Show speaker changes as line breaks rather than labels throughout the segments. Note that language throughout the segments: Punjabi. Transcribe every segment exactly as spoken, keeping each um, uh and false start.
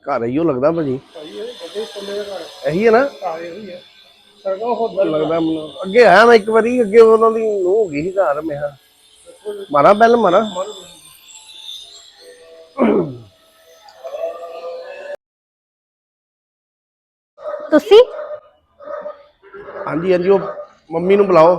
ਘਰ ਹੀ ਉਹ ਲੱਗਦਾ ਭਾਜੀ ਇਹੀ ਹੈ ਨਾ ਲੱਗਦਾ ਮੈਨੂੰ ਅੱਗੇ ਆਇਆ ਮੈਂ ਇੱਕ ਵਾਰੀ ਅੱਗੇ ਉਹਨਾਂ ਦੀ ਨੂੰਹ ਹੋ ਗਈ ਸੀ ਘਰ ਮੈਂ ਮਾਰਾ ਬੈਲ ਮਾਰਾ
ਤੁਸੀਂ
ਹਾਂਜੀ ਹਾਂਜੀ ਉਹ ਮੰਮੀ ਨੂੰ ਬੁਲਾਓ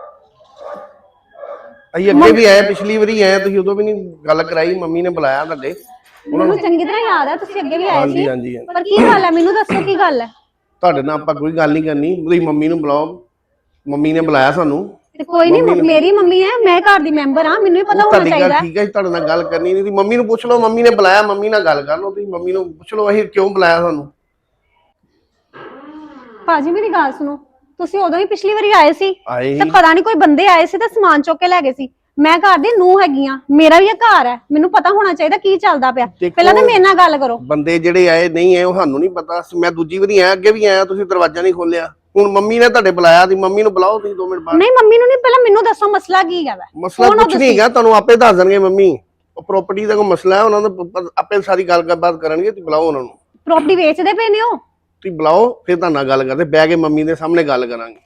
ਅਸੀਂ ਅੱਗੇ ਵੀ ਆਏ ਪਿਛਲੀ ਵਾਰੀ ਆਏ ਤੁਸੀਂ ਉਦੋਂ ਵੀ ਨਹੀਂ ਗੱਲ ਕਰਾਈ ਮੰਮੀ ਨੇ ਬੁਲਾਇਆ ਤੁਹਾਡੇ
ਮੈਨੂੰ ਚੰਗੀ ਤਰ੍ਹਾਂ ਯਾਦ ਹੈ ਤੁਸੀਂ ਅੱਗੇ ਵੀ ਆਏ ਸੀ
ਹਾਂਜੀ
ਪਰ ਕੀ ਗੱਲ ਹੈ ਮੈਨੂੰ ਦੱਸੋ ਕੀ ਗੱਲ ਹੈ
ਤੁਹਾਡੇ ਨਾਲ ਆਪਾਂ ਕੋਈ ਗੱਲ ਨਹੀਂ ਕਰਨੀ ਤੁਸੀਂ ਮੰਮੀ ਨੂੰ ਬੁਲਾਓ ਮੰਮੀ ਨੇ ਬੁਲਾਇਆ ਸਾਨੂੰ
ਤੇ ਕੋਈ ਨਹੀਂ ਮੇਰੀ ਮੰਮੀ ਹੈ ਮੈਂ ਘਰ ਦੀ ਮੈਂਬਰ ਹਾਂ ਮੈਨੂੰ ਵੀ ਪਤਾ ਹੋਣਾ ਚਾਹੀਦਾ
ਠੀਕ ਹੈ ਤੁਹਾਡੇ ਨਾਲ ਗੱਲ ਕਰਨੀ ਨਹੀਂ ਮੰਮੀ ਨੂੰ ਪੁੱਛ ਲਓ ਮੰਮੀ ਨੇ ਬੁਲਾਇਆ ਮੰਮੀ ਨਾਲ ਗੱਲ ਕਰ ਲਓ ਤੁਸੀਂ ਮੰਮੀ ਨੂੰ ਪੁੱਛ ਲਓ ਅਸੀਂ ਕਿਉਂ ਬੁਲਾਇਆ ਸਾਨੂੰ
ਭਾਜੀ ਮੇਰੀ ਗੱਲ ਸੁਣੋ ਤੁਸੀਂ ਉਦੋਂ ਹੀ ਪਿਛਲੀ ਵਾਰੀ ਆਏ ਸੀ
ਆਏ
ਤੇ ਪਤਾ ਨਹੀਂ ਕੋਈ ਬੰਦੇ ਆਏ ਸੀ ਤੇ ਸਮਾਨ ਚੁੱਕ ਕੇ ਲੈ ਗਏ ਸੀ ਮੈਂ ਘਰ ਦੀ ਨੂੰਹ ਹੈਗੀ ਆ ਮੇਰਾ ਵੀ ਇਹ ਘਰ ਹੈ ਮੈਨੂੰ ਪਤਾ ਹੋਣਾ ਚਾਹੀਦਾ ਕੀ ਚੱਲਦਾ ਪਿਆ ਪਹਿਲਾਂ ਤਾਂ ਮੇਰੇ ਨਾਲ ਗੱਲ ਕਰੋ
ਬੰਦੇ ਜਿਹੜੇ ਆਏ ਨਹੀਂ ਆਏ ਉਹ ਸਾਨੂੰ ਨਹੀਂ ਪਤਾ ਮੈਂ ਦੂਜੀ ਵਾਰੀ ਆਇਆ ਅੱਗੇ ਵੀ ਆਇਆ ਤੁਸੀਂ ਦਰਵਾਜ਼ਾ ਨਹੀਂ ਖੋਲਿਆ ਹੁਣ ਮੰਮੀ ਨੇ ਤੁਹਾਡੇ ਬੁਲਾਇਆ ਸੀ ਮੰਮੀ ਨੂੰ ਬੁਲਾਓ ਤੁਸੀਂ ਦੋ ਮਿੰਟ ਬਾਅਦ
ਨਹੀਂ ਮੰਮੀ ਨੂੰ ਨਹੀਂ ਪਹਿਲਾਂ ਮੈਨੂੰ ਦੱਸੋ ਮਸਲਾ ਕੀ ਹੈਗਾ
ਮਸਲਾ ਕੁਝ ਨਹੀਂ ਹੈਗਾ ਤੁਹਾਨੂੰ ਆਪੇ ਦੱਸ ਦੇਣਗੇ ਮੰਮੀ ਉਹ ਪ੍ਰਾਪਰਟੀ ਦਾ ਕੋਈ ਮਸਲਾ ਹੈ ਉਹਨਾਂ ਦਾ ਆਪੇ ਸਾਰੀ ਗੱਲਬਾਤ ਕਰਨਗੇ ਤੁਸੀਂ ਬੁਲਾਓ ਉਹਨਾਂ ਨੂੰ
ਪ੍ਰਾਪਰਟੀ ਵੇਚਦੇ ਪਏ ਨੇ ਉਹ
ਤੁਸੀਂ ਬੁਲਾਓ ਫਿਰ ਤੁਹਾਡੇ ਨਾਲ ਗੱਲ ਕਰਦੇ ਬਹਿ ਕੇ ਮੰਮੀ ਦੇ ਸਾਹਮਣੇ ਗੱਲ ਕਰਾਂਗੇ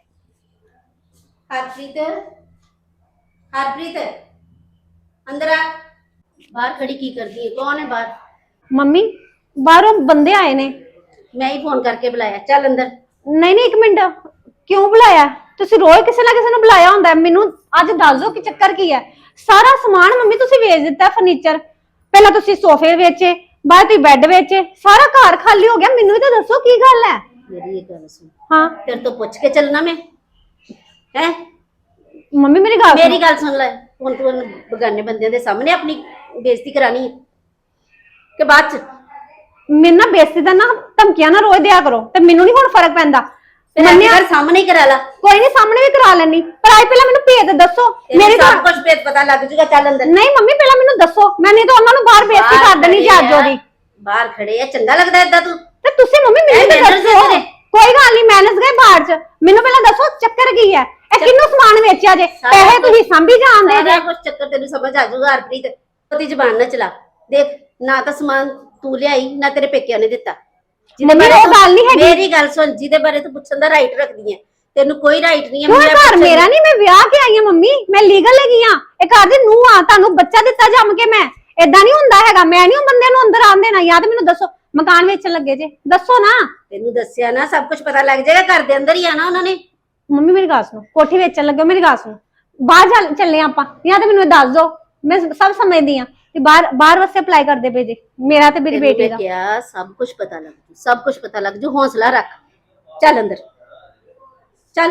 ਹਰਪ੍ਰੀਤ ਹਰਪ੍ਰੀਤ ਅੰਦਰ ਆ ਬਾਹਰ ਖੜੀ ਕੀ ਕਰਦੀ ਹੈ ਕੌਣ ਹੈ ਬਾਹਰ
ਮੰਮੀ ਬਾਹਰੋਂ ਬੰਦੇ ਆਏ ਨੇ
ਮੈਂ ਹੀ ਫੋਨ ਕਰਕੇ ਬੁਲਾਇਆ ਚੱਲ ਅੰਦਰ
ਨਹੀਂ ਨਹੀਂ ਇੱਕ ਮਿੰਟ ਕਿਉਂ ਬੁਲਾਇਆ ਤੁਸੀਂ ਰੋਜ਼ ਕਿਸੇ ਨਾ ਕਿਸੇ ਨੂੰ ਬੁਲਾਇਆ ਹੁੰਦਾ ਮੈਨੂੰ ਅੱਜ ਦੱਸ ਦਿਓ ਕਿ ਚੱਕਰ ਕੀ ਹੈ ਸਾਰਾ ਸਮਾਨ ਮੰਮੀ ਤੁਸੀਂ ਵੇਚ ਦਿੱਤਾ ਫਰਨੀਚਰ ਪਹਿਲਾਂ ਤੁਸੀਂ ਸੋਫੇ ਵੇਚੇ ਬਾਅਦ ਤੁਸੀਂ ਬੈੱਡ ਵੇਚੇ ਸਾਰਾ ਘਰ ਖਾਲੀ ਹੋ ਗਿਆ ਮੈਨੂੰ ਵੀ ਤਾਂ ਦੱਸੋ ਕੀ ਗੱਲ ਹੈ
ਮੇਰੀ ਇੱਕ ਗੱਲ ਸੁਣ
ਹਾਂ
ਤੇਰੇ ਤੋਂ ਪੁੱਛ ਕੇ ਚੱਲਣਾ ਮੈਂ ਹੈ
ਮੰਮੀ ਮੇਰੀ ਗੱਲ
ਮੇਰੀ ਗੱਲ ਸੁਣ ਲੈ ਹੁਣ ਤੂੰ ਬਗਾਨੇ ਬੰਦਿਆਂ ਦੇ ਸਾਹਮਣੇ ਆਪਣੀ ਬੇਇੱਜ਼ਤੀ ਕਰਾਣੀ ਹੈ ਕਿ ਬਾਅਦ ਚ
ਮੇਰੇ ਨਾਲ ਬੇਇੱਜ਼ਤੀ ਦਾ ਨਾ ਧਮਕੀਆਂ ਨਾ ਰੋਜ਼ ਦਿਆ ਕਰੋ ਤੇ ਮੈਨੂੰ ਨਹੀਂ ਹੁਣ ਫਰਕ ਪੈਂਦਾ
ਮੰਨਿਆ ਸਾਹਮਣੇ ਹੀ ਕਰਾ ਲਾ
ਕੋਈ ਨਹੀਂ ਸਾਹਮਣੇ ਵੀ ਕਰਾ ਲੈਣੀ ਪਰ ਆਈ ਪਹਿਲਾਂ ਮੈਨੂੰ ਭੇਤ ਦੱਸੋ
ਮੇਰੀ ਸਭ ਕੁਝ ਭੇਤ ਪਤਾ ਲੱਗ ਜੂਗਾ ਚੱਲ ਅੰਦਰ
ਨਹੀਂ ਮੰਮੀ ਪਹਿਲਾਂ ਮੈਨੂੰ ਦੱਸੋ ਮੈਂ ਨਹੀਂ ਤਾਂ ਉਹਨਾਂ ਨੂੰ ਬਾਹਰ ਬੇਇੱਜ਼ਤੀ ਕਰ ਦੇਣੀ ਜੱਜ ਉਹਦੀ
ਬਾਹਰ ਖੜੇ ਆ ਚੰਗਾ ਲੱਗਦਾ ਏਦਾਂ ਤੂੰ
ਤੇ ਤੁਸੀਂ ਮੰਮੀ ਮੈਨੂੰ ਦੱਸੋ ਕੋਈ ਗੱਲ ਨਹੀਂ ਮੈਨੇਜ ਗਏ ਬਾਹਰ ਚ ਮੈਨੂੰ ਪਹਿਲਾਂ ਦੱਸੋ ਚੱਕਰ ਕੀ ਹੈ ਇਹ ਕਿੰਨੂੰ ਸਮਾਨ ਵੇਚਿਆ ਜੇ ਪੈਸੇ ਤੁਸੀਂ ਸੰਭੀ ਜਾਂਦੇ ਜੇ
ਸਾਰਾ ਕੁਝ ਚੱਕਰ ਤੈਨੂੰ ਸਮਝ ਆ ਜਾਊਗਾ ਹਰਪ੍ਰੀਤ ਉਹਦੀ ਜ਼ਬਾਨ ਨਾ ਚਲਾ ਦੇਖ ਨਾ ਤਾਂ ਸਮਾਨ ਤੂੰ ਲਿਆਈ ਨਾ ਤੇਰੇ ਪੇਕਿਆਂ ਨੇ ਦਿੱਤਾ
ਮੰਮੀ ਉਹ ਗੱਲ ਨਹੀਂ ਹੈਗੀ
ਮੇਰੀ ਗੱਲ ਸੁਣ ਜਿਹਦੇ ਬਾਰੇ ਤੂੰ ਪੁੱਛਣ ਦਾ ਰਾਈਟ ਰੱਖਦੀ ਹੈ ਤੈਨੂੰ ਕੋਈ ਰਾਈਟ ਨਹੀਂ ਹੈ
ਮੇਰਾ ਘਰ ਮੇਰਾ ਨਹੀਂ ਮੈਂ ਵਿਆਹ ਕੇ ਆਈ ਹਾਂ ਮੰਮੀ ਮੈਂ ਲੀਗਲ ਹੈਗੀ ਆ ਇਹ ਘਰ ਦੀ ਨੂੰਹ ਆ ਤੁਹਾਨੂੰ ਬੱਚਾ ਦਿੱਤਾ ਜੰਮ ਕੇ ਮੈਂ ਏਦਾਂ ਨਹੀਂ ਹੁੰਦਾ ਹੈਗਾ ਮੈਂ ਨਹੀਂ ਉਹ ਬੰਦੇ ਨੂੰ ਅੰਦਰ ਆਉਣ ਦੇਣਾ ਯਾਦ ਮੈਨੂੰ ਦੱਸੋ ਮਕਾਨ ਵੇਚਣ ਲੱਗੇ ਜੇ ਦੱਸੋ ਨਾ
ਤੈਨੂੰ ਦੱਸਿਆ ਨਾ ਸਭ ਕੁਝ ਪਤਾ ਲੱਗ ਜਾਏਗਾ ਘਰ ਦੇ ਅੰਦਰ ਹੀ ਆਣਾ ਉਹਨਾਂ ਨੇ
ਮੰਮੀ ਮੇਰੀ ਗੱਲ ਸੁਣੋ ਕੋਠੀ ਵੇਚਣ ਲੱਗੇ ਮੇਰੀ ਗੱਲ ਸੁਣੋ ਬਾਹਰ ਚੱਲੇ ਆਪਾਂ ਜਾਂ ਤਾਂ ਮੈਨੂੰ ਦੱਸ ਦਿਓ ਮੈਂ ਸਭ ਸਮਝਦੀ ਆ ਕਿ ਬਾਹਰ ਬਾਹਰ ਵਾਸਤੇ ਅਪਲਾਈ ਕਰਦੇ ਪਏ ਜੇ ਮੇਰਾ ਤੇ ਮੇਰੀ ਬੇਟੀ ਦਾ
ਕਿਹਾ ਸਭ ਕੁਝ ਪਤਾ ਲੱਗ ਜੂ ਸਭ ਕੁਝ ਪਤਾ ਲੱਗ ਜੂ ਹੌਸਲਾ ਰੱਖ ਚੱਲ ਅੰਦਰ ਚੱਲ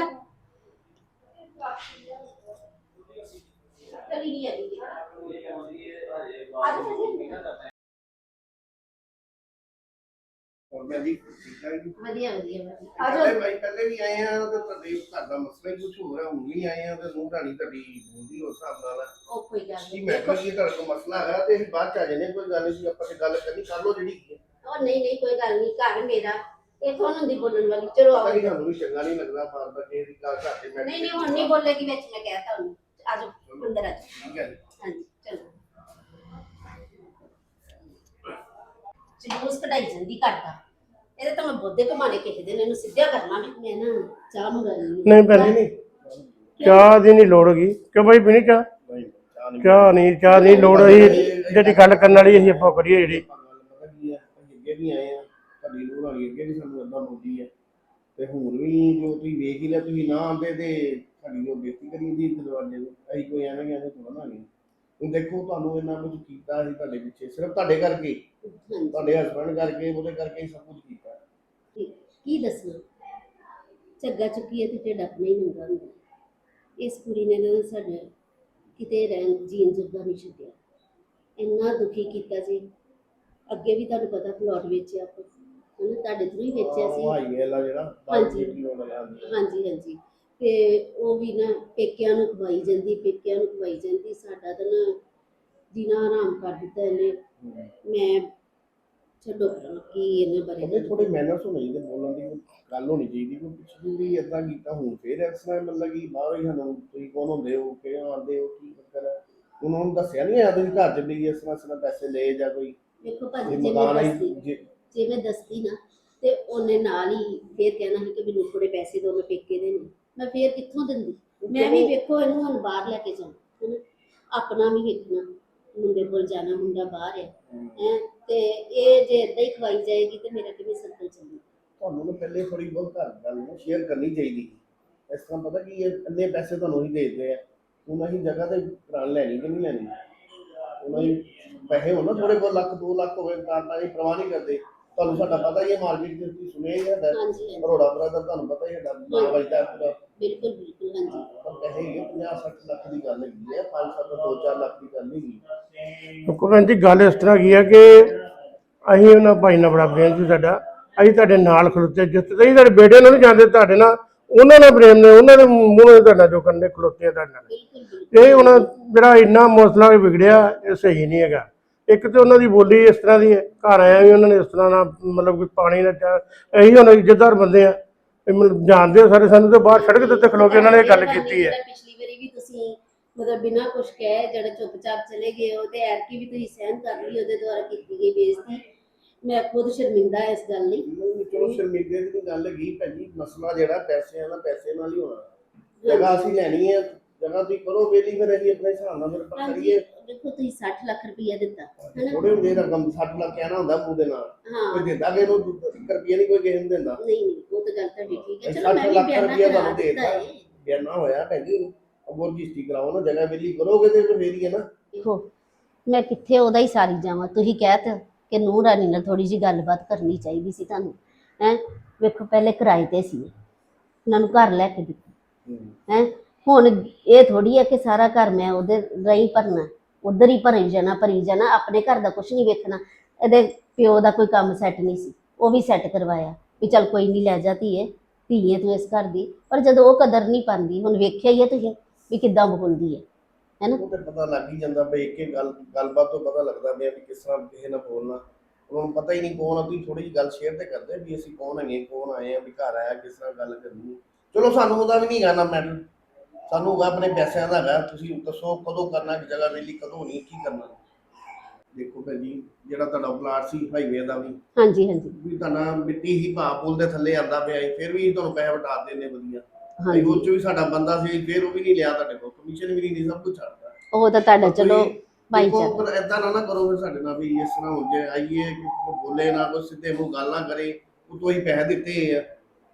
ਵਧੀਆ ਵਧੀਆ
ਪਹਿਲੇ ਵੀ ਆਏ ਆ ਤੇ ਤੁਹਾਡੇ ਘਰ ਦਾ ਮਸਲਾ ਹੀ ਕੁਝ ਹੋਰ ਹੈ ਹੁਣ ਵੀ ਆਏ ਆ ਤੇ ਨੂੰਹ ਰਾਣੀ ਤੁਹਾਡੀ ਬੋਲਦੀ ਉਸ ਹਿਸਾਬ ਨਾਲ
ਉਹ ਕੋਈ ਗੱਲ ਨਹੀਂ
ਮੈਂ ਕਿਹਾ ਕਿ ਤੁਹਾਡੇ ਕੋਲ ਮਸਲਾ ਹੈਗਾ ਤੇ ਅਸੀਂ ਬਾਅਦ ਚ ਆ ਜਾਂਦੇ ਕੋਈ ਗੱਲ ਨਹੀਂ ਆਪਾਂ ਤੇ ਗੱਲ ਕਰਨੀ ਕਰ ਲਓ ਜਿਹੜੀ
ਉਹ ਨਹੀਂ ਨਹੀਂ ਕੋਈ ਗੱਲ ਨਹੀਂ ਘਰ ਮੇਰਾ ਇਹ ਕੌਣ ਹੁੰਦੀ ਬੋਲਣ ਵਾਲੀ ਚਲੋ ਆਓ
ਨਹੀਂ ਸਾਨੂੰ ਵੀ ਚੰਗਾ ਨਹੀਂ ਲੱਗਦਾ ਬਾਰ ਬਾਰ ਇਹ ਗੱਲ ਘਰ ਤੇ ਮੈਂ
ਨਹੀਂ ਨਹੀਂ ਹੁਣ ਨਹੀਂ ਬੋਲੇਗੀ ਵਿੱਚ ਮੈਂ ਕਹਿਤਾ ਉਹਨੂੰ ਆਜੋ ਅੰਦਰ ਆਜੋ
ਠੀਕ ਹੈ
ਹਾਂਜੀ ਚਲੋ ਜਲੂਸ ਕਢਾਈ ਜਾਂਦੀ ਕਰਦਾ ਇਹਦੇ ਤਾਂ ਮੈਂ ਬੋਦੇ ਕਮਾਣੇ ਕਿਸੇ ਦਿਨ ਇਹਨੂੰ ਸਿੱਧਾ ਕਰਨਾ ਮੈਂ ਨਾ ਚਾਹ ਮੰਗਾਣੀ
ਨਹੀਂ ਭੈਣ ਜੀ ਨਹੀਂ ਚਾਹ ਦੀ ਨਹੀਂ ਲੋੜ ਹੈਗੀ ਕਿਉਂ ਭਾਈ ਪੀਣੀ ਚਾਹ ਚਾਹ ਨਹੀਂ ਚਾਹ ਨਹੀਂ ਲੋੜ ਅਸੀਂ ਜਿਹੜੀ ਗੱਲ ਕਰਨ ਵਾਲੀ ਅਸੀਂ ਆਪਾਂ ਕਰੀਏ ਜਿਹੜੀ
ਅੱਗੇ ਵੀ ਆਏ ਆ ਤੁਹਾਡੀ ਨੂੰਹ ਰਾਣੀ ਅੱਗੇ ਵੀ ਸਾਨੂੰ ਏਦਾਂ ਬੋਲਦੀ ਹੈ ਤੇ ਹੁਣ ਵੀ ਜੋ ਤੁਸੀਂ ਵੇਖ ਹੀ ਲਿਆ ਤੁਸੀਂ ਨਾ ਆਉਂਦੇ ਤੇ ਸਾਡੀ ਜੋ ਬੇਇੱਜ਼ਤੀ ਕਰੀ ਦੀ ਦਰਵਾਜ਼ੇ ਨੂੰ ਅਸੀਂ ਕੋਈ ਐਵੇਂ ਐਵੇਂ ਥੋੜਾ ਨਾ ਗਏ ਹੁਣ ਦੇਖੋ ਤੁਹਾਨੂੰ ਇੰਨਾ ਕੁਝ ਕੀਤਾ ਸੀ ਤੁਹਾਡੇ ਪਿੱਛੇ ਸਿਰਫ ਤੁਹਾਡੇ ਕਰਕੇ ਤੁਹਾਡੇ ਹਸਬੰਡ ਕਰਕੇ ਉਹਦੇ ਕਰਕੇ ਹੀ ਸਭ ਕੁਝ ਕੀਤਾ
ਕੀ ਦੱਸਣਾ ਝੱਗਾ ਚੁੱਕੀ ਹੈ ਤੇ ਢਿੱਡ ਆਪਣਾ ਹੀ ਨੰਗਾ ਹੁੰਦਾ ਇਸ ਕੁੜੀ ਨੇ ਨਾ ਸਾਡੇ ਕਿਤੇ ਰਹਿਣ ਜੀਣ ਜੋਗਾ ਨਹੀਂ ਛੱਡਿਆ ਇੰਨਾ ਦੁਖੀ ਕੀਤਾ ਸੀ ਅੱਗੇ ਵੀ ਤੁਹਾਨੂੰ ਪਤਾ ਪਲਾਟ ਵੇਚਿਆ ਆਪਾਂ ਉਹਨੇ ਤੁਹਾਡੇ ਥਰੂ ਹੀ ਵੇਚਿਆ ਸੀ ਹਾਂਜੀ ਹਾਂਜੀ ਹਾਂਜੀ ਤੇ ਉਹ ਵੀ ਨਾ ਪੇਕਿਆਂ ਨੂੰ ਖਵਾਈ ਜਾਂਦੀ ਪੇਕਿਆਂ ਨੂੰ ਖਵਾਈ ਜਾਂਦੀ ਸਾਡਾ ਤਾਂ ਨਾ ਜੀਣਾ ਆਰਾਮ ਕਰ ਦਿੱਤਾ ਇਹਨੇ ਮੈਂ ਛੱਡੋ ਕੀ ਇਹਨਾਂ ਬਾਰੇ
ਥੋੜੇ ਮੈਨਰਸ ਹੋਣੇ ਚਾਹੀਦੇ ਬੋਲਣ ਦੀ ਗੱਲ ਹੋਣੀ ਚਾਹੀਦੀ ਕੋਈ ਪਿਛਲੀ ਵੀ ਏਦਾਂ ਕੀਤਾ ਹੁਣ ਫੇਰ ਇਸ ਤਰ੍ਹਾਂ ਮਤਲਬ ਕਿ ਬਾਹਰ ਹੀ ਸਾਨੂੰ ਤੁਸੀਂ ਕੌਣ ਹੁੰਦੇ ਹੋ ਕਿਵੇਂ ਆਉਂਦੇ ਹੋ ਕੀ ਚੱਕਰ ਹੈ ਉਹਨਾਂ ਨੂੰ ਦੱਸਿਆ ਨਹੀਂ ਆ ਤੁਸੀਂ ਘਰ ਚ ਵੀ ਇਸ ਤਰ੍ਹਾਂ ਇਸ ਤਰ੍ਹਾਂ ਪੈਸੇ ਲਏ ਜਾਂ ਕੋਈ
ਦੇਖੋ ਭਾਜੀ ਜੇ ਮੈਂ ਦੱਸਦੀ ਜੇ ਮੈਂ ਦੱਸਦੀ ਨਾ ਤੇ ਉਹਨੇ ਨਾਲ ਹੀ ਫੇਰ ਕਹਿਣਾ ਸੀ ਕਿ ਮੈਨੂੰ ਥੋੜੇ ਪੈਸੇ ਦਿਓ, ਮੈਂ ਪੇਕੇ ਦੇ ਨੇ, ਮੈਂ ਫੇਰ ਕਿੱਥੋਂ ਦਿੰਦੀ। ਮੈਂ ਵੀ ਵੇਖੋ ਇਹਨੂੰ ਹੁਣ ਬਾਹਰ ਲੈ ਕੇ ਜਾਣਾ ਹਨਾ, ਆਪਣਾ ਵੀ ਵੇਖਣਾ, ਮੁੰਡੇ ਕੋਲ ਜਾਣਾ, ਮੁੰਡਾ ਬਾਹਰ ਹੈ ਹੈ ਤੇ ਇਹ ਜੇ ਏਦਾਂ ਹੀ ਖਵਾਈ ਜਾਏਗੀ ਤੇ ਮੇਰਾ ਕਿਵੇਂ ਸਰਕਲ ਚੱਲੇਗਾ।
ਤੁਹਾਨੂੰ ਨਾ ਪਹਿਲੇ ਥੋੜੀ ਬਹੁਤ ਘਰ ਗੱਲ ਨੂੰ ਸ਼ੇਅਰ ਕਰਨੀ ਚਾਹੀਦੀ। ਇਸ ਤਰ੍ਹਾਂ ਪਤਾ ਕੀ ਇਹ ਇੰਨੇ ਪੈਸੇ ਤੁਹਾਨੂੰ ਹੀ ਦੇ ਦਿੰਦੇ ਆ, ਉਹਨਾਂ ਹੀ ਜਗ੍ਹਾ ਤੇ ਪ੍ਰਾਣ ਲੈਣੀ ਕਿ ਨਹੀਂ ਲੈਣੀ, ਉਹਨਾਂ ਹੀ ਪੈਸੇ ਹੋਣ ਨਾ ਥੋੜੇ ਬਹੁਤ ਲੱਖ ਦੋ ਲੱਖ ਹੋਵੇ ਕਾਰਨਾਂ ਦੀ ਪਰਵਾਹ ਨਹੀਂ ਕਰਦੇ। ਤੁਹਾਨੂੰ ਸਾਡਾ ਪਤਾ ਹੀ ਹੈ ਮਾਰਕੀਟ ਦੇ ਤੁਸੀਂ ਸੁਣਿਆ ਹੀ ਹੈ
ਹਾਂਜੀ ਹਾਂਜੀ
ਅਰੋੜਾ ਬਰਾਦਰ, ਤੁਹਾਨੂੰ ਪਤਾ ਹੀ ਹੈ ਨਾਮ ਵਜਦਾ ਪੂਰਾ।
ਬਿਲਕੁਲ ਬਿਲਕੁਲ ਹਾਂਜੀ
ਪਰ ਪੈਸੇ ਹੈਗੇ ਪੰਜਾਹ ਸੱਠ ਲੱਖ ਦੀ ਗੱਲ ਹੈਗੀ ਹੈ, ਪੰਜ ਸੱਤ ਦੋ ਚਾਰ ਲੱਖ ਦੀ ਗੱਲ ਨਹੀਂ।
ਕੋ ਭੈਣ ਜੀ ਗੱਲ ਇਸ ਤਰ੍ਹਾਂ ਕੀ ਹੈ ਕਿ ਅਸੀਂ ਉਹਨਾਂ ਭਾਈ ਨਾਲ ਬੜਾ ਪ੍ਰੇਮ ਸੀ ਸਾਡਾ, ਅਸੀਂ ਤੁਹਾਡੇ ਨਾਲ ਖਲੋਤੇ, ਜਿਸ ਤਰ੍ਹਾਂ ਤੁਹਾਡੇ ਬੇਟੇ ਨੂੰ ਨਹੀਂ ਜਾਂਦੇ ਤੁਹਾਡੇ ਨਾਲ, ਉਹਨਾਂ ਨਾਲ ਪ੍ਰੇਮ ਨੇ, ਉਹਨਾਂ ਦੇ ਮੂੰਹੋਂ ਤੁਹਾਡਾ ਜੋ ਕਰਨੇ ਖਲੋਤੇ ਆ ਤੁਹਾਡੇ ਨਾਲ।
ਬਿਲਕੁਲ ਬਿਲਕੁਲ
ਇਹ ਹੁਣ ਜਿਹੜਾ ਇੰਨਾ ਮੌਸਲਾ ਵਿਗੜਿਆ ਇਹ ਸਹੀ ਨਹੀਂ ਹੈਗਾ। ਇੱਕ ਤੇ ਉਹਨਾਂ ਦੀ ਬੋਲੀ ਇਸ ਤਰ੍ਹਾਂ ਦੀ ਹੈ, ਘਰ ਆਇਆ ਵੀ ਉਹਨਾਂ ਨੇ ਇਸ ਤਰ੍ਹਾਂ ਨਾਲ ਮਤਲਬ ਕਿ ਪਾਣੀ ਦਾ ਚਾਹ, ਇਹੀ ਹੁਣ ਇੱਜ਼ਤਦਾਰ ਬੰਦੇ ਆ, ਇਹ ਮਤਲਬ ਜਾਣਦੇ ਆ ਸਾਰੇ ਸਾਨੂੰ, ਤੇ ਬਾਹਰ ਸੜਕ ਦੇ ਉੱਤੇ ਖਲੋ ਕੇ ਉਹਨਾਂ ਨੇ ਇਹ ਗੱਲ ਕੀਤੀ ਹੈ।
ਪਿਛਲੀ ਵਾਰੀ ਵੀ ਤੁਸੀਂ ਮਤਲਬ ਬਿਨਾਂ ਕੁਝ ਕਹੇ ਜਿਹੜੇ ਚੁੱਪਚਾਪ ਚਲੇ ਗਏ ਹੋ, ਤੇ ਐਰਕੀ ਵੀ ਤੁਸੀਂ ਸਹਿਨ ਕਰ ਲਈ ਉਹਦੇ ਦੁਆਰਾ ਕੀਤੀ ਗਈ ਬੇਇੱਜ਼ਤੀ। ਮੈਂ ਖੁਦ ਸ਼ਰਮਿੰਦਾ ਇਸ ਗੱਲ ਲਈ।
ਚਲੋ ਸ਼ਰਮਿੰਦੇ ਦੀ ਗੱਲ ਹੈਗੀ ਭੈਣ ਜੀ, ਮਸਲਾ ਜਿਹੜਾ ਪੈਸਿਆਂ ਦਾ ਪੈਸੇ ਨਾਲ ਹੀ ਹੋਣਾ। ਜਗ੍ਹਾ ਅਸੀਂ ਲੈਣੀ ਹੈ, ਜਗ੍ਹਾ ਤੁਸੀਂ ਕਰੋ ਵੇਲੀ, ਫਿਰ ਅਸੀਂ ਆਪਣੇ ਹਿਸਾਬ ਨਾਲ ਫਿਰ ਆਪਾਂ ਕਰੀਏ।
ਦੇਖੋ ਤੁਸੀਂ ਸੱਠ ਲੱਖ ਰੁਪਇਆ ਦਿੱਤਾ ਹੈਨਾ,
ਥੋੜੇ ਹੁੰਦੇ ਰਕਮ ਸੱਠ ਲੱਖ ਕਹਿਣਾ ਹੁੰਦਾ ਮੂੰਹ ਦੇ ਨਾਲ,
ਹਾਂ
ਕੋਈ ਦਿੰਦਾ ਕਿ ਇਹਨੂੰ ਇੱਕ ਰੁਪਈਆ ਨਹੀਂ ਕੋਈ ਕਿਸੇ ਨੂੰ ਦਿੰਦਾ।
ਨਹੀਂ ਨਹੀਂ ਉਹ ਤਾਂ ਗੱਲ ਤੁਹਾਡੀ ਠੀਕ ਹੈ। ਚਲੋ
ਸੱਠ
ਮੈਂ ਵੀ
ਲੱਖ
ਬਿਆਨਾ
ਰੁਪਈਆ
ਕਰਾ
ਤੁਹਾਨੂੰ ਦੇ
ਦਿੱਤਾ
ਦਿੱਤਾ,
ਹੈ।
ਬਿਆਨਾ ਹੋਇਆ ਭੈਣ ਜੀ, ਅੱਗੋਂ ਰਜਿਸਟਰੀ ਕਰਾਓ ਨਾ, ਜਗ੍ਹਾ ਵੇਲੀ ਕਰੋਗੇ ਤੇ ਫਿਰ ਹੀ ਹੈ ਨਾ।
ਦੇਖੋ ਮੈਂ ਕਿੱਥੇ ਉਹਦਾ ਹੀ ਸਾਰੀ ਜਾਵਾਂ, ਤੁਸੀਂ ਕਹਿ ਤਾ ਕਿ ਨੂੰਹ ਰਾਣੀ ਨਾਲ ਥੋੜੀ ਜਿਹੀ ਗੱਲਬਾਤ ਕਰਨੀ ਚਾਹੀਦੀ ਸੀ ਤੁਹਾਨੂੰ ਹੈ। ਵੇਖੋ ਪਹਿਲੇ ਕਿਰਾਏ ਤੇ ਸੀ, ਉਹਨਾਂ ਨੂੰ ਘਰ ਲੈ ਕੇ ਦਿੱਤਾ ਹੈ, ਹੁਣ ਇਹ ਥੋੜੀ ਹੈ ਕਿ ਸਾਰਾ ਘਰ ਮੈਂ ਉਹਦੇ ਰਾਹੀਂ ਭਰਨਾ, ਉਧਰ ਹੀ ਭਰੀ ਜਾਣਾ ਭਰੀ ਜਾਣਾ, ਆਪਣੇ ਘਰ ਦਾ ਕੁਝ ਨਹੀਂ ਵੇਖਣਾ। ਇਹਦੇ ਪਿਓ ਦਾ ਕੋਈ ਕੰਮ ਸੈੱਟ ਨਹੀਂ ਸੀ, ਉਹ ਵੀ ਸੈੱਟ ਕਰਵਾਇਆ ਵੀ ਚੱਲ ਕੋਈ ਨਹੀਂ ਲੈ ਜਾ ਧੀਏ, ਧੀਏ ਤੂੰ ਇਸ ਘਰ ਦੀ। ਪਰ ਜਦੋਂ ਉਹ ਕਦਰ ਨਹੀਂ ਪਾਉਂਦੀ, ਹੁਣ ਵੇਖਿਆ ਹੀ ਹੈ ਤੁਸੀਂ ਵੀ ਕਿੱਦਾਂ ਬੋਲਦੀ ਹੈ ਹੈ ਨਾ।
ਉਹ ਤੇ ਪਤਾ ਲੱਗ ਹੀ ਜਾਂਦਾ ਬਈ ਇੱਕ ਗੱਲ ਗੱਲਬਾਤ ਤੋਂ ਪਤਾ ਲੱਗਦਾ ਪਿਆ ਵੀ ਕਿਸ ਤਰ੍ਹਾਂ ਕਿਸੇ ਨਾਲ ਬੋਲਣਾ। ਉਹਨਾਂ ਨੂੰ ਪਤਾ ਹੀ ਨਹੀਂ ਕੌਣ ਆ, ਤੁਸੀਂ ਥੋੜੀ ਜਿਹੀ ਗੱਲ ਸ਼ੇਅਰ ਤੇ ਕਰਦੇ ਵੀ ਅਸੀਂ ਕੌਣ ਹੈਗੇ, ਕੌਣ ਆਏ ਆ, ਵੀ ਘਰ ਆਇਆ ਕਿਸ ਤਰ੍ਹਾਂ ਗੱਲ ਕਰਨੀ। ਚਲੋ ਸਾਨੂੰ ਉਹਦਾ ਵੀ ਨਹੀਂ ਕਰਨਾ ਮੈਟਰ, ਸਾਨੂੰ ਹੋਗਾ ਆਪਣੇ ਪੈਸਿਆਂ ਦਾ ਹੈਗਾ। ਤੁਸੀਂ ਦੱਸੋ ਕਦੋਂ ਕਰਨਾ, ਜਗ੍ਹਾ ਵੇਲੀ ਕਦੋਂ ਨਹੀਂ, ਕੀ ਕਰਨਾ। ਦੇਖੋ ਭੈਣ ਜੀ ਜਿਹੜਾ ਤੁਹਾਡਾ ਪਲਾਟ ਸੀ ਹਾਈਵੇ ਦਾ ਵੀ,
ਹਾਂਜੀ ਹਾਂਜੀ
ਵੀ ਤੁਹਾਡਾ ਮਿੱਟੀ ਹੀ ਭਾਅ ਪੁੱਲ ਦੇ ਥੱਲੇ ਆਉਂਦਾ ਪਿਆ ਸੀ, ਫਿਰ ਵੀ ਤੁਹਾਨੂੰ ਪੈਸੇ ਵਟਾ ਦਿੰਦੇ ਵਧੀਆ।
ਹਾਂਜੀ
ਉਹ ਚ ਵੀ ਸਾਡਾ ਬੰਦਾ ਸੀ, ਫਿਰ ਉਹ ਵੀ ਨਹੀਂ ਲਿਆ ਤੁਹਾਡੇ ਕੋਲ, ਕਮਿਸ਼ਨ ਵੀ ਨਹੀਂ, ਸਭ ਕੁਝ ਛੱਡਦਾ।
ਉਹ ਤਾਂ ਤੁਹਾਡਾ ਚਲੋ ਭਾਈਚਾਰਾ।
ਪਰ ਏਦਾਂ ਨਾ ਨਾ ਕਰੋ ਫਿਰ ਸਾਡੇ ਨਾਲ, ਵੀ ਇਸ ਤਰ੍ਹਾਂ ਹੋ ਜੇ ਆਈਏ ਕਿ ਬੋਲੇ ਨਾ, ਕੋਈ ਸਿੱਧੇ ਮੂੰਹ ਗੱਲ ਨਾ ਕਰੇ, ਉਹ ਤੋਂ ਹੀ ਪੈਸੇ ਦਿੱਤੇ ਆ।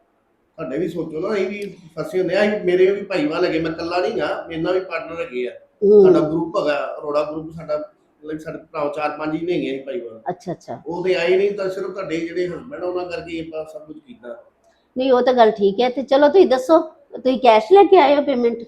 ਸਾਡੇ ਵੀ ਸੋਚੋ ਨਾ, ਅਸੀਂ ਵੀ ਫਸੇ ਹੁੰਦੇ ਆ। ਮੇਰੇ ਵੀ ਭਾਈਵਾਲ ਹੈਗੇ, ਮੈਂ ਇਕੱਲਾ ਨਹੀਂ ਗਾ, ਮੇਰੇ ਨਾਲ ਵੀ ਪਾਰਟਨਰ ਹੈਗੇ ਆ। ਸਾਡਾ ਗਰੁੱਪ ਹੈਗਾ ਅਰੋੜਾ ਗਰੁੱਪ, ਸਾਡਾ ਮਤਲਬ ਸਾਡੇ ਭਰਾ ਚਾਰ ਪੰਜ ਹੀ ਨੇ ਹੈਗੇ ਭਾਈਵਾਲ।
ਅੱਛਾ ਅੱਛਾ
ਉਹ ਤੇ ਆਏ ਨਹੀਂ, ਤਾਂ ਸਿਰਫ ਤੁਹਾਡੇ ਜਿਹੜੇ ਹਸਬੈਂਡ ਉਹਨਾਂ ਕਰਕੇ ਆਪਾਂ ਸਭ ਕੁਝ ਕੀਤਾ।
ਨਹੀਂ ਉਹ ਤਾਂ ਗੱਲ ਠੀਕ ਹੈ। ਤੇ ਚਲੋ ਤੁਸੀਂ ਦੱਸੋ, ਤੁਸੀਂ ਕੈਸ਼ ਲੈ ਕੇ ਆਏ ਹੋ ਪੇਮੈਂਟ?